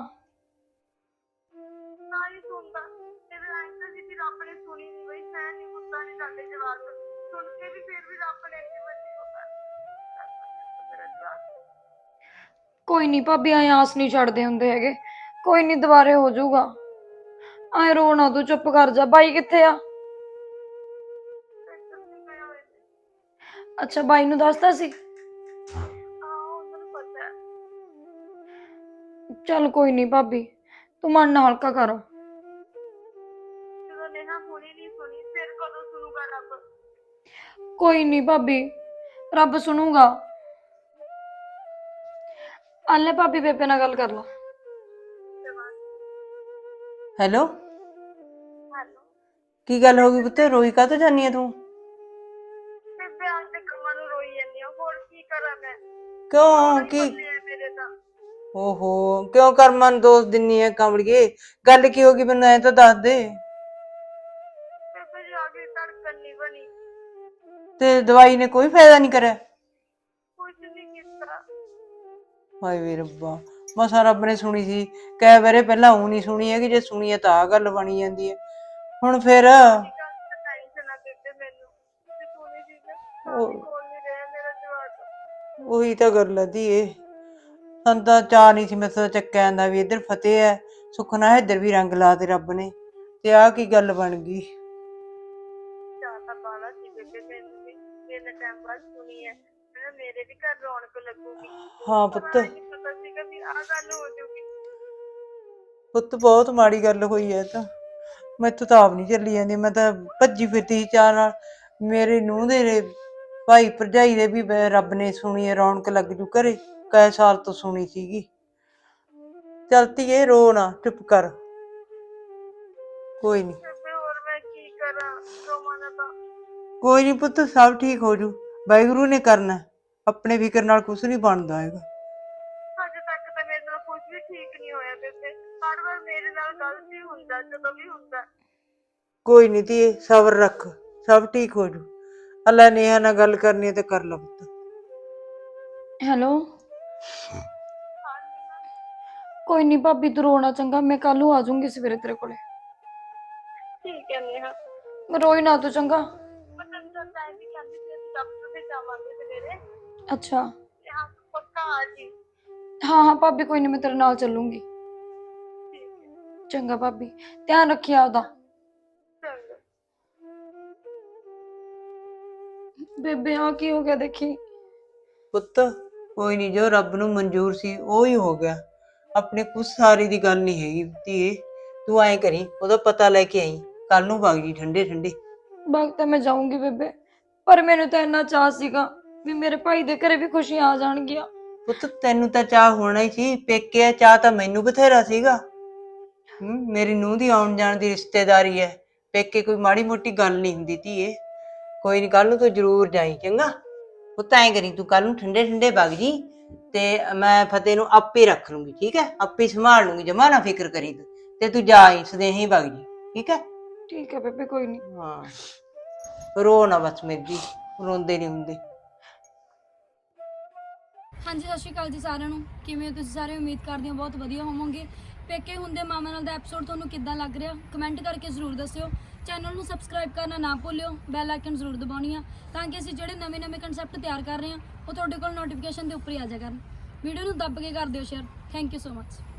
S3: ਕੋਈ ਨਹੀਂ ਭਾਬੀ, ਐਂ ਆਸ ਨਹੀਂ ਛੱਡਦੇ ਹੁੰਦੇ ਹੈਗੇ। ਕੋਈ ਨਹੀਂ, ਦੁਬਾਰੇ ਹੋ ਜਾਊਗਾ। ਐਂ ਰੋਣਾ, ਤੂੰ ਚੁੱਪ ਕਰ ਜਾ। ਬਾਈ ਕਿੱਥੇ ਆ? ਅੱਛਾ, ਬਾਈ ਨੂੰ ਦੱਸਦਾ ਸੀ? ਚੱਲ ਕੋਈ ਨਹੀਂ ਭਾਬੀ, ਤੂੰ ਮਨ ਨਾ ਹਲਕਾ ਕਰ। ਕੋਈ ਨਹੀਂ ਭਾਬੀ, ਰੱਬ ਸੁਣੂਗਾ। ਆਲੇ ਭਾਬੀ ਬੇਬੇ ਨਾਲ ਗੱਲ ਕਰ ਲਾ।
S5: ਹੈਲੋ ਕੀ ਗੱਲ ਹੋ ਗਈ ਪੁੱਤ, ਰੋਈ ਕਾਹਤੋਂ ਜਾਨੀ ਆ ਤੂੰ?
S2: ਬੇਬੇ ਅੱਜ ਦੇ ਕੰਮਾਂ ਨੂੰ ਰੋਈ ਜਾਂਦੀ ਆ, ਹੋਰ ਕੀ ਕਰਾਂ ਮੈਂ?
S5: ਕਿਉਂ ਕੀ?
S2: ਮੇਰੇ ਤਾਂ
S5: ਓਹੋ ਕਿਉਂ ਕਰਮਾਂ ਨੂੰ ਦੋਸ਼ ਦਿੰਨੀ ਐ ਕਮਲੀਏ? ਗੱਲ ਕੀ ਹੋ ਗਈ ਮੈਨੂੰ ਐ ਤਾਂ ਦੱਸ ਦੇ।
S2: ਬੇਬੇ ਜੀ ਆਗੇ ਧੜਕਣ ਨਹੀਂ ਬਣੀ,
S5: ਤੇ ਦਵਾਈ ਨੇ ਕੋਈ ਫਾਇਦਾ ਨਹੀਂ ਕਰਿਆ?
S2: ਕੁਝ ਨਹੀਂ ਕੀਤਾ।
S5: ਹਾਏ ਵੇ ਰੱਬਾ, ਮਸਾਂ ਰੱਬ ਨੇ ਸੁਣੀ ਸੀ। ਕਈ ਵਾਰੇ ਪਹਿਲਾਂ ਉਹ ਨਹੀਂ ਸੁਣੀ ਹੈਗੀ, ਜੇ ਸੁਣੀ ਹੈ ਤਾਂ ਆਹ ਗੱਲ ਬਣੀ ਜਾਂਦੀ ਹੈ ਹੁਣ ਫਿਰ।
S2: ਟੈਨਸ਼ਨ ਨਾ ਬੇਬੇ ਮੈਨੂੰ, ਜੇ ਸੁਣੀ ਸੀ ਨਾ ਤਾਂ ਵੀ ਕੋਲ ਨਹੀਂ ਰਿਹਾ ਮੇਰਾ ਜਵਾਕ।
S5: ਉਹੀ ਤਾਂ ਗੱਲ ਹੈ ਧੀਏ, ਸਾਨੂੰ ਤਾਂ ਚਾਅ ਨਹੀਂ ਸੀ ਮੇਰੇ ਤੋਂ ਚੱਕਿਆ ਜਾਂਦਾ ਵੀ ਇੱਧਰ ਫਤਿਹ ਹੈ, ਸੁੱਖ ਨਾਲ ਇੱਧਰ ਵੀ ਰੰਗ ਲਾ ਤੇ ਰੱਬ ਨੇ, ਤੇ ਆਹ ਕੀ ਗੱਲ ਬਣ ਗਈ।
S2: ਚਾਹ ਤਾਂ ਬਾਲਾ ਸੀ ਬੇਬੇ ਮੈਨੂੰ ਵੀ, ਮੇਰੇ ਟਾਈਮ ਬਾਅਦ ਸੁਣੀ ਹੈ, ਮੈਂ ਮੇਰੇ ਵੀ ਘਰ ਰੌਣਕ ਲੱਗੂਗੀ।
S5: ਹਾਂ
S2: ਪਰ
S5: ਪੁੱਤ,
S2: ਆਏਂ ਨੀ ਪਤਾ ਸੀਗਾ ਵੀ ਆਹ ਗੱਲ ਹੋ ਜਾਊਗੀ।
S5: ਪੁੱਤ ਬਹੁਤ ਮਾੜੀ ਗੱਲ ਹੋਈ ਹੈ ਤਾਂ, ਮੈਥੋਂ ਤਾਂ ਆਪ ਨਹੀਂ ਚੱਲੀ ਜਾਂਦੀ। ਮੈਂ ਤਾਂ ਭੱਜੀ ਫਿਰਦੀ ਸੀ ਚਾਅ ਨਾਲ, ਮੇਰੇ ਨੂੰਹ ਦੇ ਭਾਈ ਭਰਜਾਈ ਦੇ ਵੀ ਰੱਬ ਨੇ ਸੁਣੀ ਹੈ, ਰੌਣਕ ਲੱਗ ਜੂ ਘਰੇ, ਕਈ ਸਾਲ ਤੋਂ ਸੁਣੀ ਸੀਗੀ। ਚੱਲ ਧੀਏ ਰੋ ਨਾ, ਚੁੱਪ ਕਰ, ਕੋਈ ਨਹੀਂ
S2: ਬੇਬੇ ਹੋਰ ਮੈਂ ਕੀ ਕਰਾਂ, ਰੋਵਾਂ ਨਾ ਤਾਂ।
S5: ਕੋਈ ਨਹੀਂ ਪੁੱਤ, ਸਭ ਠੀਕ ਹੋ ਜੂ, ਵਾਹਿਗੁਰੂ ਨੇ ਕਰਨਾ, ਆਪਣੇ ਫਿਕਰ ਨਾਲ ਕੁਛ ਨਹੀਂ ਬਣਦਾ ਹੈਗਾ।
S2: ਅਜੇ ਤੱਕ ਤਾਂ ਮੇਰੇ ਨਾਲ ਕੁਝ ਵੀ ਠੀਕ ਨਹੀਂ ਹੋਇਆ ਬੇਬੇ, ਹਰ ਵਾਰ ਮੇਰੇ ਨਾਲ ਗਲਤ ਹੀ ਹੁੰਦਾ ਜਦੋਂ ਵੀ ਹੁੰਦਾ।
S5: ਕੋਈ ਨਹੀਂ ਧੀਏ, ਸਬਰ ਰੱਖ, ਸਭ ਠੀਕ ਹੋ ਜੂ। ਅੱਲਾ ਨੇਹਾ ਨਾਲ ਗੱਲ ਕਰਨੀ ਹੈ ਤੇ ਕਰ ਲਾ ਪੁੱਤ।
S3: ਹੈਲੋ ਕੋਈ ਨਹੀਂ ਭਾਬੀ ਤੂੰ ਰੋਣਾ ਚੰਗਾ, ਮੈਂ ਕੱਲ ਨੂੰ ਆ ਜਾਊਂਗੀ ਸਵੇਰੇ ਤੇਰੇ ਕੋਲੇ।
S2: ਠੀਕ ਹੈ ਨੇਹਾ,
S3: ਰੋਈ ਨਾ ਤੂੰ ਚੰਗਾ।
S2: ਮੈਂ ਤੈਨੂੰ ਤਾਂ ਟਾਈਮ ਵੀ ਕਹਿੰਦੀ ਸੀ ਅਸੀਂ ਡਾਕਟਰ ਦੇ ਜਾਵਾਂਗੇ ਸਵੇਰੇ,
S3: ਅੱਛਾ
S2: ਤੇ ਹਾਂ ਪੱਕਾ ਆ ਜੀ।
S3: ਹਾਂ ਹਾਂ ਭਾਬੀ ਕੋਈ ਨਹੀਂ, ਮੈਂ ਤੇਰੇ ਨਾਲ ਚੱਲੂੰਗੀ।
S2: ਠੀਕ ਹੈ,
S3: ਚੰਗਾ ਭਾਬੀ, ਧਿਆਨ ਰੱਖੀ ਆਪਦਾ।
S2: ਚੰਗਾ।
S3: ਬੇਬੇ ਆ ਕੀ ਹੋ ਗਿਆ ਦੇਖੀ।
S5: ਪੁੱਤ ਕੋਈ ਨਹੀਂ, ਜੋ ਰੱਬ ਨੂੰ ਮਨਜ਼ੂਰ ਸੀ ਉਹ ਹੀ ਹੋ ਗਿਆ, ਆਪਣੇ ਕੁਛ ਸਾਰੀ ਦੀ ਗੱਲ ਨਹੀਂ ਹੈਗੀ ਧੀਏ। ਤੂੰ ਐਂ ਕਰੀ, ਉਹਦਾ ਪਤਾ ਲੈ ਕੇ ਆਈ, ਕੱਲ ਨੂੰ ਵਗ ਜੀ ਠੰਡੇ ਠੰਡੇ।
S3: ਬਾਗ ਤਾਂ ਮੈਂ ਜਾਊਂਗੀ ਬੇਬੇ, ਪਰ ਮੈਨੂੰ ਤਾਂ ਇੰਨਾ ਚਾਅ ਸੀਗਾ ਵੀ ਮੇਰੇ ਭਾਈ ਦੇ ਘਰੇ ਵੀ ਖੁਸ਼ੀਆਂ ਆ ਜਾਣਗੀਆਂ।
S5: ਪੁੱਤ ਤੈਨੂੰ ਤਾਂ ਚਾਹ ਹੋਣਾ ਹੀ ਸੀ, ਪੇਕੇ ਚਾਹ ਤਾਂ ਮੈਨੂੰ ਬਥੇਰਾ ਸੀਗਾ। ਮੇਰੀ ਨੂੰਹ ਦੀ ਆਉਣ ਜਾਣ ਦੀ ਰਿਸ਼ਤੇਦਾਰੀ ਹੈ, ਪੇਕੇ ਕੋਈ ਮਾੜੀ ਮੋਟੀ ਗੱਲ ਨਹੀਂ ਹੁੰਦੀ ਧੀਏ। ਕੋਈ ਨਹੀਂ, ਕੱਲ ਨੂੰ ਤੂੰ ਜ਼ਰੂਰ ਜਾਈ ਚੰਗਾ। ਪੁੱਤ ਐਂ ਕਰੀ, ਤੂੰ ਕੱਲ ਨੂੰ ਠੰਡੇ ਠੰਡੇ ਵਗ ਜੀ, ਤੇ ਮੈਂ ਫਤਿਹ ਨੂੰ ਆਪੇ ਰੱਖ ਲੂੰਗੀ, ਠੀਕ ਹੈ, ਆਪੇ ਸੰਭਾਲ ਲੂੰਗੀ, ਜਮਾ ਨਾ ਫਿਕਰ ਕਰੀ ਤੂੰ, ਤੇ ਤੂੰ ਜਾ ਆਈ ਸਦੇਹੀ ਵਗ ਜੀ, ਠੀਕ ਹੈ।
S3: ਠੀਕ ਹੈ ਬੇਬੇ ਕੋਈ ਨਹੀਂ।
S5: ਹਾਂ ਰੋ ਨਾ ਬਸ ਮੇਰੀ ਜੀ, ਰੋਂਦੇ ਨਹੀਂ ਹੁੰਦੇ।
S3: ਹਾਂਜੀ ਸਤਿ ਸ਼੍ਰੀ ਅਕਾਲ ਜੀ ਸਾਰਿਆਂ ਨੂੰ, ਕਿਵੇਂ ਹੋ ਤੁਸੀਂ ਸਾਰੇ? ਉਮੀਦ ਕਰਦੇ ਹਾਂ ਬਹੁਤ ਵਧੀਆ ਹੋਵੋਗੇ। ਪੇਕੇ ਹੁੰਦੇ ਮਾਮਾ ਨਾਲ ਦਾ ਐਪੀਸੋਡ ਤੁਹਾਨੂੰ ਕਿੱਦਾਂ ਲੱਗ ਰਿਹਾ, ਕਮੈਂਟ ਕਰਕੇ ਜ਼ਰੂਰ ਦੱਸਿਓ। ਚੈਨਲ ਨੂੰ ਸਬਸਕ੍ਰਾਈਬ ਕਰਨਾ ਨਾ ਭੁੱਲਿਓ, ਬੈਲ ਆਈਕਨ ਜ਼ਰੂਰ ਦਬਾਉਣੀ ਆ, ਤਾਂ ਕਿ ਅਸੀਂ ਜਿਹੜੇ ਨਵੇਂ ਕਨਸੈਪਟ ਤਿਆਰ ਕਰ ਰਹੇ ਹਾਂ ਉਹ ਤੁਹਾਡੇ ਕੋਲ ਨੋਟੀਫਿਕੇਸ਼ਨ ਦੇ ਉੱਪਰ ਹੀ ਆ ਜਾਇਆ ਕਰਨ। ਵੀਡੀਓ ਨੂੰ ਦੱਬ ਕੇ ਕਰ ਦਿਓ share. Thank you so much.